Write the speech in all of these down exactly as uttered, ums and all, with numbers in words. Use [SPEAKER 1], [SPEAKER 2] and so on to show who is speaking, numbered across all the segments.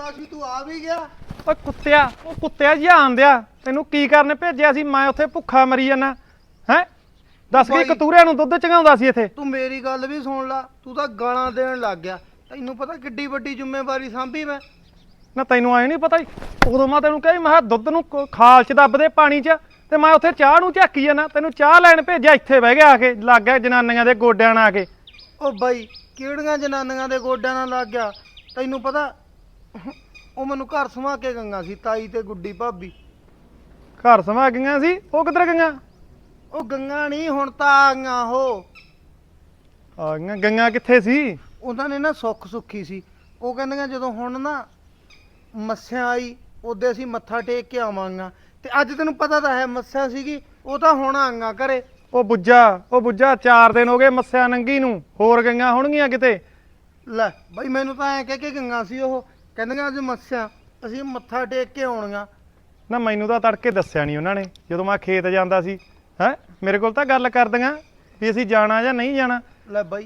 [SPEAKER 1] ਆਉਂਦਾ ਸੀ ਤੂੰ ਆ ਵੀ ਗਿਆ।
[SPEAKER 2] ਓਏ ਕੁੱਤਿਆ, ਉਹ ਕੁੱਤਿਆ ਜੀ ਆਂਦਿਆ ਤੈਨੂੰ ਕੀ ਕਰਨ ਭੇਜਿਆ ਸੀ? ਮੈਂ ਉੱਥੇ ਭੁੱਖਾ ਮਰੀ ਜਾਣਾ ਹੈ। ਦੱਸ ਕੇ ਕਤੂਰਿਆਂ ਨੂੰ ਦੁੱਧ ਚੰਗਾਉਂਦਾ ਸੀ ਇੱਥੇ।
[SPEAKER 1] ਤੂੰ ਮੇਰੀ ਗੱਲ ਵੀ ਸੁਣ ਲਾ, ਤੂੰ ਤਾਂ ਗਾਲਾਂ ਦੇਣ ਲੱਗ ਗਿਆ। ਤੈਨੂੰ ਪਤਾ ਕਿੱਡੀ ਵੱਡੀ ਜ਼ਿੰਮੇਵਾਰੀ ਸਾਂਭੀ ਮੈਂ।
[SPEAKER 2] ਨਾ ਤੈਨੂੰ ਆਏ ਨਹੀਂ ਪਤਾ ਹੀ ਉਦੋਂ ਮੈਂ ਤੈਨੂੰ ਕਹੀ ਮੈਂ ਦੁੱਧ ਨੂੰ ਖਾਲ ਚ ਦੱਬ ਦੇ ਪਾਣੀ ਚ, ਤੇ ਮੈਂ ਉੱਥੇ ਚਾਹ ਨੂੰ ਝਾਕੀ ਜਾਣਾ। ਤੈਨੂੰ ਚਾਹ ਲੈਣ ਭੇਜਿਆ, ਇੱਥੇ ਬਹਿ ਗਿਆ ਆ ਕੇ, ਲੱਗ ਗਿਆ ਜਨਾਨੀਆਂ ਦੇ ਗੋਡਿਆਂ ਨਾਲ ਆ ਕੇ।
[SPEAKER 1] ਉਹ ਬਾਈ ਕਿਹੜੀਆਂ ਜਨਾਨੀਆਂ ਦੇ ਗੋਡਿਆਂ ਨਾਲ ਲੱਗ ਗਿਆ? ਤੈਨੂੰ ਪਤਾ ਉਹ ਮੈਨੂੰ ਘਰ ਸਮਾ ਕੇ ਗੰਗਾ ਸੀ, ਤਾਈ ਤੇ ਗੁੱਡੀ ਭਾਬੀ।
[SPEAKER 2] ਘਰ ਸਮਾ ਗਈਆਂ ਸੀ? ਉਹ ਕਿੱਧਰ ਗਈਆਂ?
[SPEAKER 1] ਉਹ ਗੰਗਾ ਨਹੀਂ, ਹੁਣ ਤਾਂ ਆ ਗਈਆਂ। ਉਹ
[SPEAKER 2] ਆ ਗਈਆਂ? ਗਈਆਂ ਕਿੱਥੇ ਸੀ?
[SPEAKER 1] ਉਹਨਾਂ ਨੇ ਨਾ ਸੁੱਖ ਸੁੱਖੀ ਸੀ। ਉਹ ਕਹਿੰਦੀਆਂ ਜਦੋਂ ਹੁਣ ਨਾ ਮੱਸਿਆ ਆਈ ਉਹਦੇ ਅਸੀਂ ਮੱਥਾ ਟੇਕ ਕੇ ਆਵਾਂਗਾ। ਤੇ ਅੱਜ ਤੈਨੂੰ ਪਤਾ ਤਾਂ ਹੈ ਮੱਸਿਆ ਸੀਗੀ, ਉਹ ਤਾਂ ਹੁਣ ਆਈਆਂ ਘਰੇ।
[SPEAKER 2] ਉਹ ਬੁੱਝਾ, ਉਹ ਬੁੱਝਾ ਚਾਰ ਦਿਨ ਹੋ ਗਏ ਮੱਸਿਆ ਨੰਗੀ ਨੂੰ, ਹੋਰ ਗਈਆਂ ਹੋਣਗੀਆਂ ਕਿਤੇ।
[SPEAKER 1] ਲੈ ਬਾਈ ਮੈਨੂੰ ਤਾਂ ਐਂ ਕਹਿ ਕੇ ਗਈਆਂ ਸੀ ਉਹ, ਕਹਿੰਦੀਆਂ ਅੱਜ ਮੱਸਿਆ ਅਸੀਂ ਮੱਥਾ ਟੇਕ ਕੇ ਆਉਣੀਆਂ।
[SPEAKER 2] ਨਾ ਮੈਨੂੰ ਤਾਂ ਤੜਕੇ ਦੱਸਿਆ ਨਹੀਂ ਉਹਨਾਂ ਨੇ, ਜਦੋਂ ਮੈਂ ਖੇਤ ਜਾਂਦਾ ਸੀ। ਹੈ ਮੇਰੇ ਕੋਲ ਤਾਂ ਗੱਲ ਕਰਦੀਆਂ ਵੀ ਅਸੀਂ ਜਾਣਾ ਜਾਂ ਨਹੀਂ ਜਾਣਾ।
[SPEAKER 1] ਲੈ ਬਾਈ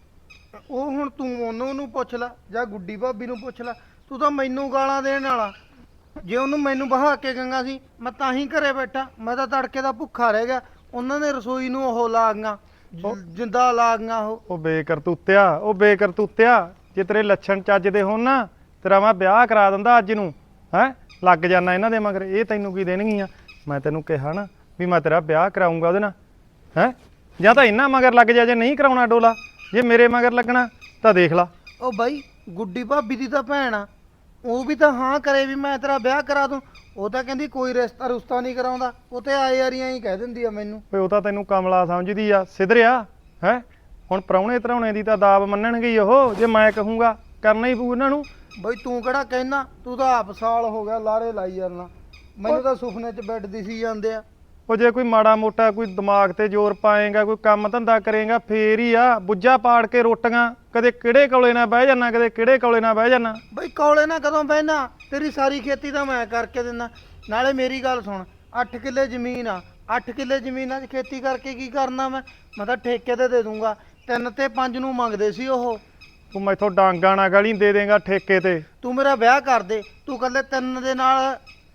[SPEAKER 1] ਉਹ ਹੁਣ ਤੂੰ ਉਹਨੂੰ ਨੂੰ ਪੁੱਛ ਲੈ ਜਾਂ ਗੁੱਡੀ ਭਾਬੀ ਨੂੰ ਪੁੱਛ ਲੈ, ਤੂੰ ਤਾਂ ਮੈਨੂੰ ਗਾਲਾਂ ਦੇਣ ਵਾਲਾ। ਜੇ ਉਹਨੂੰ ਮੈਨੂੰ ਬਹਾ ਕੇ ਗੰਗਾ ਸੀ ਮੈਂ ਤਾਂ ਹੀ ਘਰੇ ਬੈਠਾ, ਮੈਂ ਤਾਂ ਤੜਕੇ ਦਾ ਭੁੱਖਾ ਰਹਿ ਗਿਆ। ਉਹਨਾਂ ਨੇ ਰਸੋਈ ਨੂੰ ਉਹ ਲਾ ਗਈਆਂ, ਜਿੰਦਾ ਲਾ ਗਈਆਂ। ਉਹ
[SPEAKER 2] ਉਹ ਬੇਕਰਤੂਤਿਆ, ਉਹ ਬੇਕਰਤੂਤਿਆ, ਜੇ ਤੇਰੇ ਲੱਛਣ ਚੱਜ ਦੇ ਹੋਣ ਨਾ ਤੇਰਾ ਮੈਂ ਵਿਆਹ ਕਰਾ ਦਿੰਦਾ ਅੱਜ ਨੂੰ। ਹੈ ਲੱਗ ਜਾਣਾ ਇਹਨਾਂ ਦੇ ਮਗਰ, ਇਹ ਤੈਨੂੰ ਕੀ ਦੇਣਗੀਆਂ? ਮੈਂ ਤੈਨੂੰ ਕਿਹਾ ਨਾ ਵੀ ਮੈਂ ਤੇਰਾ ਵਿਆਹ ਕਰਾਉਂਗਾ ਉਹਦੇ ਨਾਲ। ਹੈ ਜਾਂ ਤਾਂ ਇਹਨਾਂ ਮਗਰ ਲੱਗ ਜਾ, ਜੇ ਨਹੀਂ ਕਰਾਉਣਾ ਡੋਲਾ, ਜੇ ਮੇਰੇ ਮਗਰ ਲੱਗਣਾ ਤਾਂ ਦੇਖ ਲਾ।
[SPEAKER 1] ਉਹ ਬਾਈ ਗੁੱਡੀ ਭਾਬੀ ਦੀ ਤਾਂ ਭੈਣ ਆ, ਉਹ ਵੀ ਤਾਂ ਹਾਂ ਕਰੇ ਵੀ ਮੈਂ ਤੇਰਾ ਵਿਆਹ ਕਰਾ ਦੂੰ। ਉਹ ਤਾਂ ਕਹਿੰਦੀ ਕੋਈ ਰਿਸ਼ਤਾ ਰੁਸ਼ਤਾ ਨਹੀਂ ਕਰਾਉਂਦਾ, ਉਹ ਤੇ ਆਏ ਯਾਰੀਆਂ ਹੀ ਕਹਿ ਦਿੰਦੀ ਆ ਮੈਨੂੰ।
[SPEAKER 2] ਓਏ ਉਹ ਤਾਂ ਤੈਨੂੰ ਕਮਲਾ ਸਮਝਦੀ ਆ, ਸਿੱਧਰਿਆ। ਹੈ ਹੁਣ ਪ੍ਰਾਹੁਣੇ ਧਰਾਉਣੇ ਦੀ ਤਾਂ ਦਾਬ ਮੰਨਣਗੇ ਉਹ, ਜੇ ਮੈਂ ਕਹੂੰਗਾ ਕਰਨਾ ਹੀ ਪਊ ਇਹਨਾਂ ਨੂੰ।
[SPEAKER 1] ਬਈ ਤੂੰ ਕਿਹੜਾ ਕਹਿਣਾ, ਤੂੰ ਤਾਂ ਆਪ ਸਾਲ ਹੋ ਗਿਆ ਲਾਰੇ ਲਾਈ ਜਾਂਦਾ। ਮੈਨੂੰ ਤਾਂ ਸੁਪਨੇ 'ਚ ਬੈੱਡ ਦਿਸੀ ਜਾਂਦੇ ਆ।
[SPEAKER 2] ਉਹ ਜੇ ਕੋਈ ਮਾੜਾ ਮੋਟਾ ਕੋਈ ਦਿਮਾਗ ਤੇ ਜ਼ੋਰ ਪਾਏਗਾ, ਕੋਈ ਕੰਮ ਧੰਦਾ ਕਰੇਗਾ ਫੇਰ ਹੀ ਆ। ਬੁੱਝਾ ਪਾੜ ਕੇ ਰੋਟੀਆਂ, ਕਦੇ ਕਿਹੜੇ ਕੋਲੇ ਨਾ ਬਹਿ ਜਾਣਾ, ਕਦੇ ਕਿਹੜੇ ਕੋਲੇ ਨਾ ਬਹਿ ਜਾਣਾ।
[SPEAKER 1] ਬਈ ਕੌਲੇ ਨਾ ਕਦੋਂ ਬਹਿਣਾ, ਤੇਰੀ ਸਾਰੀ ਖੇਤੀ ਤਾਂ ਮੈਂ ਕਰਕੇ ਦਿੰਦਾ। ਨਾਲੇ ਮੇਰੀ ਗੱਲ ਸੁਣ, ਅੱਠ ਕਿੱਲੇ ਜ਼ਮੀਨ ਆ, ਅੱਠ ਕਿੱਲੇ ਜ਼ਮੀਨਾਂ 'ਚ ਖੇਤੀ ਕਰਕੇ ਕੀ ਕਰਨਾ ਮੈਂ? ਮੈਂ ਤਾਂ ਠੇਕੇ ਤੇ ਦੇ ਦੂੰਗਾ। ਤਿੰਨ ਤੇ ਪੰਜ ਨੂੰ ਮੰਗਦੇ ਸੀ ਉਹ।
[SPEAKER 2] ਤੂੰ ਮੈਥੋਂ ਡਾਂਗਾ ਨਾ ਗਲੀ ਦੇ ਦੇਗਾ ਠੇਕੇ ਤੇ।
[SPEAKER 1] ਤੂੰ ਮੇਰਾ ਵਿਆਹ ਕਰ ਦੇ, ਤੂੰ ਕੱਲੇ ਤਿੰਨ ਦੇ ਨਾਲ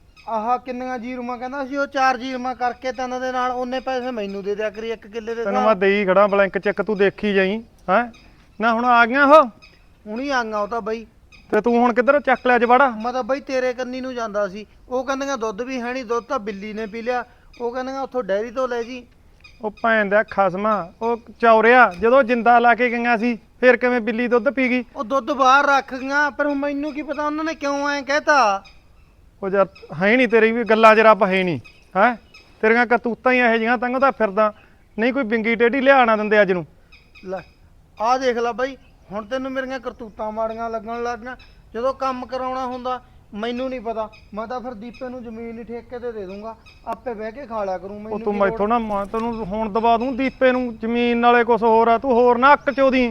[SPEAKER 1] ਆਹ ਕਿੰਨੀਆਂ ਜੀਰੂਆਂ ਕਹਿੰਦਾ ਸੀ ਉਹ, ਚਾਰ ਜੀਰੂਆਂ ਕਰਕੇ ਤਿੰਨ ਦੇ ਨਾਲ ਉਹਨੇ ਪੈਸੇ ਮੈਨੂੰ ਦੇ ਦਿਆ ਕਰੀ ਇੱਕ ਕਿੱਲੇ ਦੇ।
[SPEAKER 2] ਤੈਨੂੰ ਮੈਂ ਦੇਈ ਖੜਾ ਬਲੈਂਕ ਚੈੱਕ, ਤੂੰ ਦੇਖੀ ਜਾਈ। ਹੈ ਨਾ ਹੁਣ ਆ ਗਈਆਂ ਉਹ,
[SPEAKER 1] ਹੁਣੀ ਆਂਗਾ ਉਹ ਤਾਂ ਬਈ।
[SPEAKER 2] ਤੇ ਤੂੰ ਹੁਣ ਕਿੱਧਰ ਚੱਕ ਲਿਆ ਜਵਾੜਾ?
[SPEAKER 1] ਮੈਂ ਤਾਂ ਬਈ ਤੇਰੇ ਕੰਨੀ ਨੂੰ ਜਾਂਦਾ ਸੀ। ਉਹ ਕਹਿੰਦੀਆਂ ਦੁੱਧ ਵੀ ਹੈ ਨਹੀਂ, ਦੁੱਧ ਤਾਂ ਬਿੱਲੀ ਨੇ ਪੀ ਲਿਆ। ਉਹ ਕਹਿੰਦੀਆਂ ਉੱਥੋਂ ਡੈਰੀ ਤੋਂ ਲੈ ਜੀ।
[SPEAKER 2] ਉਹ ਭੈਣ ਦਾ ਖਸਮਾ, ਉਹ ਚੌਰਿਆ, ਜਦੋਂ ਜਿੰਦਾ ਲਾ ਕੇ ਗਈਆਂ ਸੀ ਫਿਰ ਕਿਵੇਂ ਬਿੱਲੀ ਦੁੱਧ ਪੀ ਗਈ?
[SPEAKER 1] ਉਹ ਦੁੱਧ ਬਾਹਰ ਰੱਖ ਗਈਆਂ, ਪਰ ਹੁਣ ਮੈਨੂੰ ਕੀ ਪਤਾ ਉਹਨਾਂ ਨੇ ਕਿਉਂ ਐਂ ਕਹਿਤਾ।
[SPEAKER 2] ਉਹ ਯਾਰ ਹੈ ਨਹੀਂ, ਤੇਰੀ ਵੀ ਗੱਲਾਂ 'ਚ ਰੱਬ ਹੈ ਨਹੀਂ। ਹੈ ਤੇਰੀਆਂ ਕਰਤੂਤਾਂ ਹੀ ਇਹੋ ਜਿਹੀਆਂ, ਤੰਗ ਤਾਂ ਫਿਰਦਾ ਨਹੀਂ ਕੋਈ ਬਿੰਗੀ ਟੇਢੀ ਲਿਆ ਨਾ ਦਿੰਦੇ ਅੱਜ ਨੂੰ।
[SPEAKER 1] ਲੈ ਆਹ ਦੇਖ ਲੈ ਬਾਈ, ਹੁਣ ਤੈਨੂੰ ਮੇਰੀਆਂ ਕਰਤੂਤਾਂ ਮਾੜੀਆਂ ਲੱਗਣ ਲੱਗ ਗਈਆਂ। ਜਦੋਂ ਕੰਮ ਕਰਾਉਣਾ ਹੁੰਦਾ ਮੈਨੂੰ ਨਹੀਂ ਪਤਾ, ਮੈਂ ਤਾਂ ਫਿਰ ਦੀਪੇ ਨੂੰ ਜ਼ਮੀਨ ਹੀ ਠੇਕੇ ਤੇ ਦੇ ਦੂੰਗਾ, ਆਪੇ ਬਹਿ ਕੇ ਖਾ ਲਿਆ ਕਰੂੰ।
[SPEAKER 2] ਉਹ ਤੂੰ ਮੈਥੋਂ ਨਾ, ਮੈਂ ਤੈਨੂੰ ਹੁਣ ਦਬਾ ਦੂੰ ਦੀਪੇ ਨੂੰ ਜ਼ਮੀਨ ਨਾਲੇ ਕੁਛ ਹੋਰ ਆ। ਤੂੰ ਹੋਰ ਨਾ ਅੱਕ ਚੋਦੀ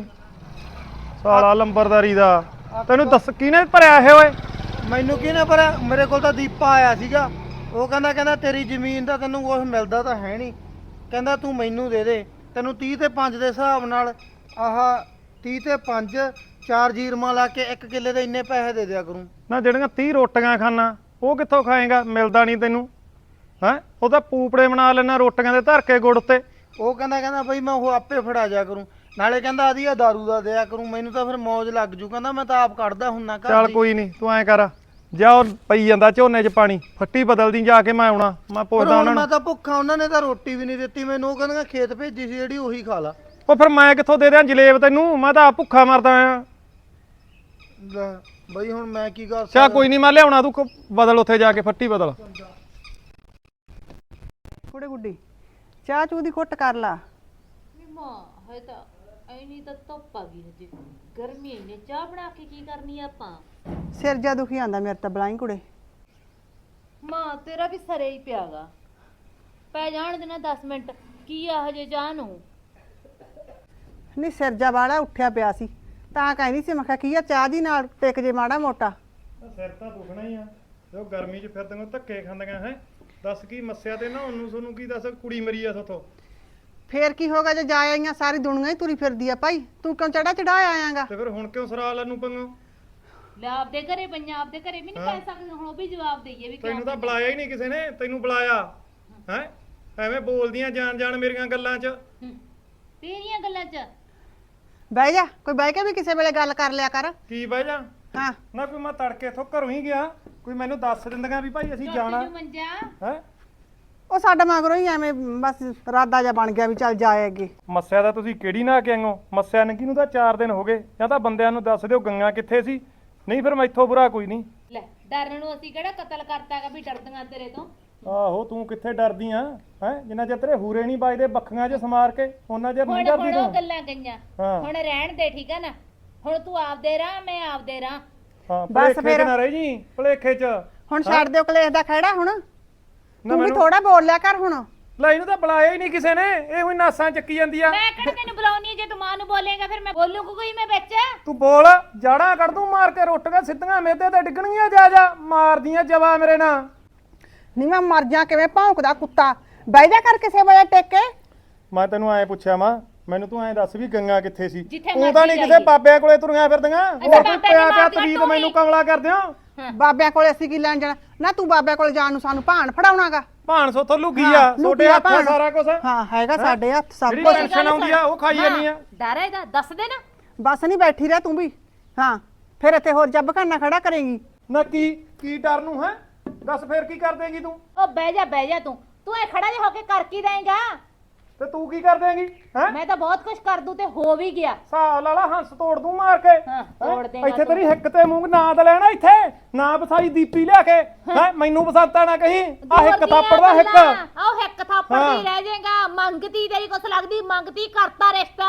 [SPEAKER 2] ਸਾਲਾ ਲੰਬਰਦਾਰੀ ਦਾ। ਤੈਨੂੰ ਦੱਸ ਕਿਹਨੇ ਭਰਿਆ ਇਹ? ਓਏ
[SPEAKER 1] ਮੈਨੂੰ ਕਿਹਨੇ ਭਰਿਆ? ਮੇਰੇ ਕੋਲ ਤਾਂ ਦੀਪਾ ਆਇਆ ਸੀਗਾ। ਉਹ ਕਹਿੰਦਾ ਕਹਿੰਦਾ ਤੇਰੀ ਜ਼ਮੀਨ ਦਾ ਤੈਨੂੰ ਕੁਛ ਮਿਲਦਾ ਤਾਂ ਹੈ ਨਹੀਂ, ਕਹਿੰਦਾ ਤੂੰ ਮੈਨੂੰ ਦੇ ਦੇ, ਤੈਨੂੰ ਤੀਹ ਤੇ ਪੰਜ ਦੇ ਹਿਸਾਬ ਨਾਲ ਆਹ ਤੀਹ ਤੇ ਪੰਜ ਚਾਰ ਜੀਰਮਾਂ ਲਾ ਕੇ ਇੱਕ ਕਿੱਲੇ ਦੇ ਇੰਨੇ ਪੈਸੇ ਦੇ ਦਿਆ ਕਰੂੰ।
[SPEAKER 2] ਨਾ ਜਿਹੜੀਆਂ ਤੀਹ ਰੋਟੀਆਂ ਖਾਣਾ ਉਹ ਕਿੱਥੋਂ ਖਾਏਗਾ? ਮਿਲਦਾ ਨਹੀਂ ਤੈਨੂੰ। ਹੈ ਉਹ ਤਾਂ ਪੂਪੜੇ ਬਣਾ ਲੈਣਾ ਰੋਟੀਆਂ ਦੇ ਧਰ ਕੇ ਗੁੜ ਤੇ।
[SPEAKER 1] ਉਹ ਕਹਿੰਦਾ ਕਹਿੰਦਾ ਬਈ ਮੈਂ ਉਹ ਆਪੇ ਫੜਾ ਜਾ ਕਰੂੰ, ਨਾਲੇ ਕਹਿੰਦਾ ਆਦੀ ਆ ਦਾਰੂ ਦਾ ਦਿਆ ਕਰੂੰ। ਮੈਨੂੰ ਤਾਂ ਫਿਰ ਮੌਜ ਲੱਗ ਜੂ, ਕਹਿੰਦਾ ਮੈਂ ਤਾਂ ਆਪ ਕੱਢਦਾ ਹੁੰਨਾ ਘਰ।
[SPEAKER 2] ਚੱਲ ਕੋਈ ਨਹੀਂ, ਤੂੰ ਐਂ ਕਰ, ਜਾ ਉਹ ਪਈ ਜਾਂਦਾ ਝੋਨੇ 'ਚ ਪਾਣੀ, ਫੱਟੀ ਬਦਲਦੀ ਜਾ ਕੇ, ਮੈਂ ਆਉਣਾ, ਮੈਂ ਪੁੱਛਦਾ ਉਹਨਾਂ ਨੂੰ।
[SPEAKER 1] ਮੈਂ ਤਾਂ ਭੁੱਖਾ, ਉਹਨਾਂ ਨੇ ਤਾਂ ਰੋਟੀ ਵੀ ਨਹੀਂ ਦਿੱਤੀ ਮੈਨੂੰ। ਉਹ ਕਹਿੰਦਾ ਖੇਤ ਭੇਜੀ ਸੀ ਜਿਹੜੀ, ਉਹੀ ਖਾ ਲਾ।
[SPEAKER 2] ਉਹ ਫਿਰ ਮੈਂ ਕਿੱਥੋਂ ਦੇ ਦਿਆਂ ਜਲੇਬ ਤੈਨੂੰ? ਮੈਂ ਤਾਂ ਆਪ ਭੁੱਖਾ ਮਰਦਾ ਆ।
[SPEAKER 1] ਬਈ ਹੁਣ ਮੈਂ ਕੀ ਕਰ
[SPEAKER 2] ਚਾ ਕੋਈ ਨਹੀਂ, ਮੈਂ ਲਿਆਉਣਾ, ਤੂੰ ਬਦਲ ਉੱਥੇ ਜਾ ਕੇ ਫੱਟੀ ਬਦਲ।
[SPEAKER 3] ਕੁੜੇ ਗੁੱਡੀ ਚਾਹ ਚੂ ਦੀ ਘੁੱਟ ਕਰ ਲਾ।
[SPEAKER 4] ਮਾਂ ਹੈ ਤਾਂ ਐਨੀ ਤਾਂ ਧੁੱਪ ਆ ਗਈ ਹਜੇ, ਗਰਮੀ ਇੰਨੇ, ਚਾਹ ਬਣਾ ਕੇ ਕੀ ਕਰਨੀ ਆ ਆਪਾਂ?
[SPEAKER 3] ਸਿਰ ਜਾ ਦੁਖੀ ਆਂਦਾ ਮੇਰੇ ਤਾਂ ਬਲਾਈ ਕੁੜੇ।
[SPEAKER 4] ਮਾਂ ਤੇਰਾ ਵੀ ਸਰੇ ਹੀ ਪਿਆਗਾ, ਪੈ ਜਾਣ ਦੇਣਾ ਦਸ ਮਿੰਟ, ਕੀ ਆ ਹਜੇ ਚਾਹ ਨੂੰ?
[SPEAKER 3] ਨਹੀਂ ਸਿਰ ਜਾ ਵਾਲਾ ਉੱਠਿਆ ਪਿਆ ਸੀ ਤਾਂ ਕਹਿੰਦੀ ਸੀ, ਮੈਂ ਕਿਹਾ ਕੀ ਆ ਚਾਹ ਦੀ ਨਾਲ ਟਿਕ ਜੇ ਮਾੜਾ ਮੋਟਾ।
[SPEAKER 2] ਸਿਰ ਤਾਂ ਦੁਖਣਾ ਹੀ ਆ, ਜੋ ਗਰਮੀ 'ਚ ਫਿਰਦੀਆਂ ਧੱਕੇ ਖਾਂਦੀਆਂ। ਹੈ ਦੱਸ ਕੀ ਮੱਸਿਆ ਤੇ ਨਾ ਉਹਨੂੰ ਤੁਹਾਨੂੰ ਕੀ ਦੱਸ, ਕੁੜੀ ਮਰੀ ਆ ਸਾਥੋਂ।
[SPEAKER 3] ਫੇਰ ਕੀ ਹੋਗਾ ਜੇ ਜਾ ਆਈਆਂ, ਸਾਰੀ ਦੁਨੀਆ ਹੀ ਤੁਰੀ ਫਿਰਦੀ ਆ ਭਾਈ, ਤੂੰ ਕਿਉਂ ਚੜਾ ਚੜਾ ਆਇਆਗਾ?
[SPEAKER 2] ਤੇ ਫਿਰ ਹੁਣ ਕਿਉਂ ਸਰਾ ਲੈਨੂੰ ਪੰਗੋ?
[SPEAKER 4] ਲੈ ਆਪਦੇ ਘਰੇ ਪਈਆਂ ਆਪਦੇ ਘਰੇ ਵੀ ਨਹੀਂ ਕਹਿ ਸਕਦੇ ਹੁਣ ਉਹ ਵੀ ਜਵਾਬ ਦਈਏ ਵੀ ਕਿਉਂ
[SPEAKER 2] ਤੈਨੂੰ ਤਾਂ ਬੁਲਾਇਆ ਹੀ ਨਹੀਂ ਕਿਸੇ ਨੇ, ਤੈਨੂੰ ਬੁਲਾਇਆ ਹੈ? ਐਵੇਂ ਬੋਲਦੀਆਂ ਜਾਣ ਜਾਣ ਮੇਰੀਆਂ ਗੱਲਾਂ 'ਚ।
[SPEAKER 4] ਹੂੰ। ਤੇਰੀਆਂ ਗੱਲਾਂ 'ਚ
[SPEAKER 3] ਬਹਿ ਜਾ, ਕੋਈ ਬਹਿ ਕੇ ਵੀ ਕਿਸੇ ਵੇਲੇ ਗੱਲ ਕਰ ਲਿਆ ਕਰ।
[SPEAKER 2] ਕੀ ਬਹਿ ਜਾ
[SPEAKER 3] ਹਾਂ
[SPEAKER 2] ਨਾ, ਕੋਈ ਮੈਂ ਤੜਕੇ ਇੱਥੋਂ ਘਰੋਂ ਹੀ ਗਿਆ, ਕੋਈ ਮੈਨੂੰ ਦੱਸ ਦਿੰਦੀਆਂ ਵੀ ਭਾਈ ਅਸੀਂ ਜਾਣਾ
[SPEAKER 4] ਟੁੱਟ ਜੂ ਮੰਜਾ।
[SPEAKER 2] ਹੈ।
[SPEAKER 3] ਉਹ ਸਾਡਾ ਮਗਰੋਂ ਹੀ ਐਵੇਂ ਬਸ ਰਾਦਾ ਜਿਹਾ ਬਣ ਗਿਆ ਵੀ ਚੱਲ ਜਾਏ ਅੱਗੇ।
[SPEAKER 2] ਮੱਸਿਆ ਦਾ ਤੁਸੀਂ ਕਿਹੜੀ ਨਾ ਕੇ ਆਇਓ? ਮੱਸਿਆ ਨੰਗੀ ਨੂੰ ਤਾਂ ਚਾਰ ਦਿਨ ਹੋ ਗਏ। ਜਾਂ ਤਾਂ ਬੰਦਿਆਂ ਨੂੰ ਦੱਸ ਦਿਓ ਗੰਗਾ ਕਿੱਥੇ ਸੀ, ਨਹੀਂ ਫਿਰ ਮੈਥੋਂ ਬੁਰਾ ਕੋਈ ਨਹੀਂ।
[SPEAKER 4] ਲੈ ਡਰਨ ਨੂੰ ਅਸੀਂ ਕਿਹੜਾ ਕਤਲ ਕਰਤਾਗਾ ਵੀ ਡਰਦੀਆਂ ਤੇਰੇ ਤੋਂ।
[SPEAKER 2] ਆਹੋ ਤੂੰ ਕਿੱਥੇ ਡਰਦੀ ਆ ਹੈ? ਜਿੰਨਾ ਚਿਰ ਤੇਰੇ ਹੂਰੇ ਨਹੀਂ ਵੱਜਦੇ ਬੱਖੀਆਂ 'ਚ ਸਮਾਰ ਕੇ ਉਹਨਾਂ ਚਿਰ ਨਹੀਂ
[SPEAKER 4] ਹੁਣ
[SPEAKER 2] ਡਰਦੀ
[SPEAKER 4] ਹੁਣ ਉਹ
[SPEAKER 2] ਤੂੰ।
[SPEAKER 4] ਗੱਲਾਂ ਗਈਆਂ
[SPEAKER 2] ਹਾਂ।
[SPEAKER 4] ਹੁਣ ਰਹਿਣ ਦੇ ਠੀਕ ਆ ਨਾ। ਹੁਣ ਤੂੰ ਆਪਦੇ ਰਾਹ ਮੈਂ ਆਪਦੇ ਰਾਹ।
[SPEAKER 2] ਹਾਂ
[SPEAKER 3] ਬਸ
[SPEAKER 2] ਭੁਲੇਖੇ 'ਚ
[SPEAKER 3] ਫਿਰ।
[SPEAKER 2] ਨਾ ਰਹਿ ਜੀ, ਭੁਲੇਖੇ 'ਚ।
[SPEAKER 3] ਹੁਣ ਛੱਡ ਦਿਓ ਕਲੇਸ਼ ਦਾ ਖਹਿੜਾ। ਹੁਣ ਤੂੰ ਵੀ
[SPEAKER 2] ਮੈਨੂੰ-
[SPEAKER 3] ਥੋੜਾ ਬੋਲ ਲਿਆ ਕਰ ਹੁਣ।
[SPEAKER 2] ਲੈ ਇਹਨੂੰ ਤਾਂ ਬੁਲਾਇਆ ਹੀ ਨਹੀਂ ਕਿਸੇ ਨੇ, ਇਹ ਹੋਈ ਨਾਸਾਂ ਚੱਕੀ ਜਾਂਦੀ ਆ।
[SPEAKER 4] ਮੈਂ ਕਿਹੜਾ ਤੈਨੂੰ ਬੁਲਾਉਣੀ ਹੈ? ਜੇ ਤੂੰ ਮਾਂ ਨੂੰ ਬੋਲੇਗਾ ਫਿਰ ਮੈਂ ਬੋਲੂ ਕੋਈ ਮੈਂ ਵਿੱਚ।
[SPEAKER 2] ਤੂੰ ਬੋਲ, ਜਾੜਾਂ ਕੱਢ ਦੂੰ ਮਾਰ ਕੇ, ਰੁੱਟ ਕੇ ਸਿੱਧੀਆਂ ਮੇਦੇ ਤੇ ਡਿੱਗਣਗੀਆਂ। ਜਾ ਜਾ ਮਾਰਦੀਆਂ ਜਵਾ ਮੇਰੇ ਨਾਲ।
[SPEAKER 3] ਨਹੀਂ ਮੈਂ ਮਰ ਜਾ, ਕਿਵੇਂ ਭੌਂਕਦਾ ਕੁੱਤਾ। ਬਹਿ ਜਾ ਕਰ ਕਿਸੇ ਵੇਲੇ ਟੇਕ ਕੇ।
[SPEAKER 2] ਮੈਂ ਤੈਨੂੰ ਐਂ ਪੁੱਛਿਆ ਮਾਂ, ਮੈਨੂੰ ਤੂੰ ਐਂ ਦੱਸ ਵੀ ਗੰਗਾ ਕਿੱਥੇ ਸੀ?
[SPEAKER 4] ਜਿੱਥੇ
[SPEAKER 2] ਤੂੰ ਤਾਂ ਨਹੀਂ
[SPEAKER 4] ਮਰਜ਼ੀ
[SPEAKER 2] ਕਿਸੇ ਬਾਬਿਆਂ ਕੋਲੇ ਤੁਰੀਆਂ ਫਿਰਦੀਆਂ। ਹੋਰ ਕੋਈ
[SPEAKER 4] ਬਾਬਿਆਂ
[SPEAKER 2] ਪਿਆ ਪਿਆ
[SPEAKER 4] ਦੀਆਂ
[SPEAKER 2] ਤਵੀਤ
[SPEAKER 4] ਤੂੰ
[SPEAKER 2] ਮੈਨੂੰ
[SPEAKER 4] ਹੀ।
[SPEAKER 2] ਕਮਲਾ ਕਰਦੇ ਹੋ।
[SPEAKER 3] ਬਾਬਿਆਂ ਕੋਲੇ ਅਸੀਂ ਕੀ ਲੈਣ ਜਾਣਾ ਨਾ? ਤੂੰ ਬਾਬਿਆਂ ਕੋਲੇ ਜਾਣ ਨੂੰ ਸਾਨੂੰ ਭਾਣ ਫੜਾਉਣਾਗਾ।
[SPEAKER 2] ਭਾਣ ਸੋਥੋਂ ਲੁਕੀ
[SPEAKER 3] ਹਾਂ,
[SPEAKER 2] ਆ,
[SPEAKER 3] ਲੁਕੀ
[SPEAKER 2] ਛੋਟੇ
[SPEAKER 3] ਆ
[SPEAKER 2] ਹੱਥ ਆ
[SPEAKER 3] ਭਾਣ।
[SPEAKER 2] ਸਾਰਾ ਕੁਝ।
[SPEAKER 3] ਹਾਂ ਹੈਗਾ ਸਾਡੇ ਹੱਥ ਸਭ
[SPEAKER 2] ਜਿਹੜੀ
[SPEAKER 3] ਕੁਝ।
[SPEAKER 2] ਟੈਨਸ਼ਨ ਆਉਂਦੀ ਆ ਉਹ ਖਾਈ ਜਾਂਦੀ ਆ।
[SPEAKER 4] ਡਰ ਹੈ ਇਹਦਾ ਦੱਸ ਦੇ ਨਾ।
[SPEAKER 3] ਬਸ ਨਹੀਂ ਬੈਠੀ ਰਹਿ ਤੂੰ ਵੀ। ਹਾਂ ਫਿਰ ਇੱਥੇ ਹੋਰ ਜੱਬ ਖਾਨਾ ਖੜਾ ਕਰੇਂਗੀ।
[SPEAKER 2] ਨਾ ਕੀ ਕੀ ਡਰ ਨੂੰ ਹੈ? ਦੱਸ ਫੇਰ ਕੀ ਕਰ ਦੇਂਗੀ ਤੂੰ?
[SPEAKER 4] ਉਹ ਬਹਿ ਜਾ ਬਹਿ ਜਾ ਤੂੰ ਤੂੰ ਐ ਖੜਾ ਜਿਹਾ ਹੋ ਕੇ ਕਰ ਕੀ ਦੇਂਗਾ?
[SPEAKER 2] ਤੇ ਤੂੰ ਕੀ ਕਰ ਦੇਂਗੀ ਹੈ?
[SPEAKER 4] ਮੈਂ ਤਾਂ ਬਹੁਤ ਕੁਝ ਕਰ ਦੂੰ ਤੇ ਹੋ ਵੀ ਗਿਆ।
[SPEAKER 2] ਸਾਹ ਲਾਲਾ ਹੰਸ ਤੋੜ ਦੂੰ ਮਾਰ ਕੇ।
[SPEAKER 4] ਹਾਂ,
[SPEAKER 2] ਹੈਂ?
[SPEAKER 4] ਤੋੜ ਦੇਂਗਾ
[SPEAKER 2] ਇੱਥੇ
[SPEAKER 4] ਤੂੰ।
[SPEAKER 2] ਤੇਰੀ ਹਿੱਕ ਤੇ ਮੂੰਹ ਨਾ ਤੇ ਲੈਣਾ ਇੱਥੇ ਨਾ ਵਸਾਈ ਦੀਪੀ ਲਿਆ ਕੇ ਹੈ। ਮੈਨੂੰ ਬਸੰਤਾ ਨਾ ਕਹੀਂ ਆ ਹਿੱਕ ਥਾਪੜ ਦਾ ਹਿੱਕ।
[SPEAKER 4] ਆਹ ਹਿੱਕ ਥਾਪੜ
[SPEAKER 2] ਹਾਂ।
[SPEAKER 4] ਦੀ ਰਹਿ ਜਾਏਗਾ। ਮੰਗਤੀ ਤੇਰੀ ਕੁਛ ਲੱਗਦੀ ਮੰਗਤੀ ਕਰਤਾ ਰਿਸ਼ਤਾ।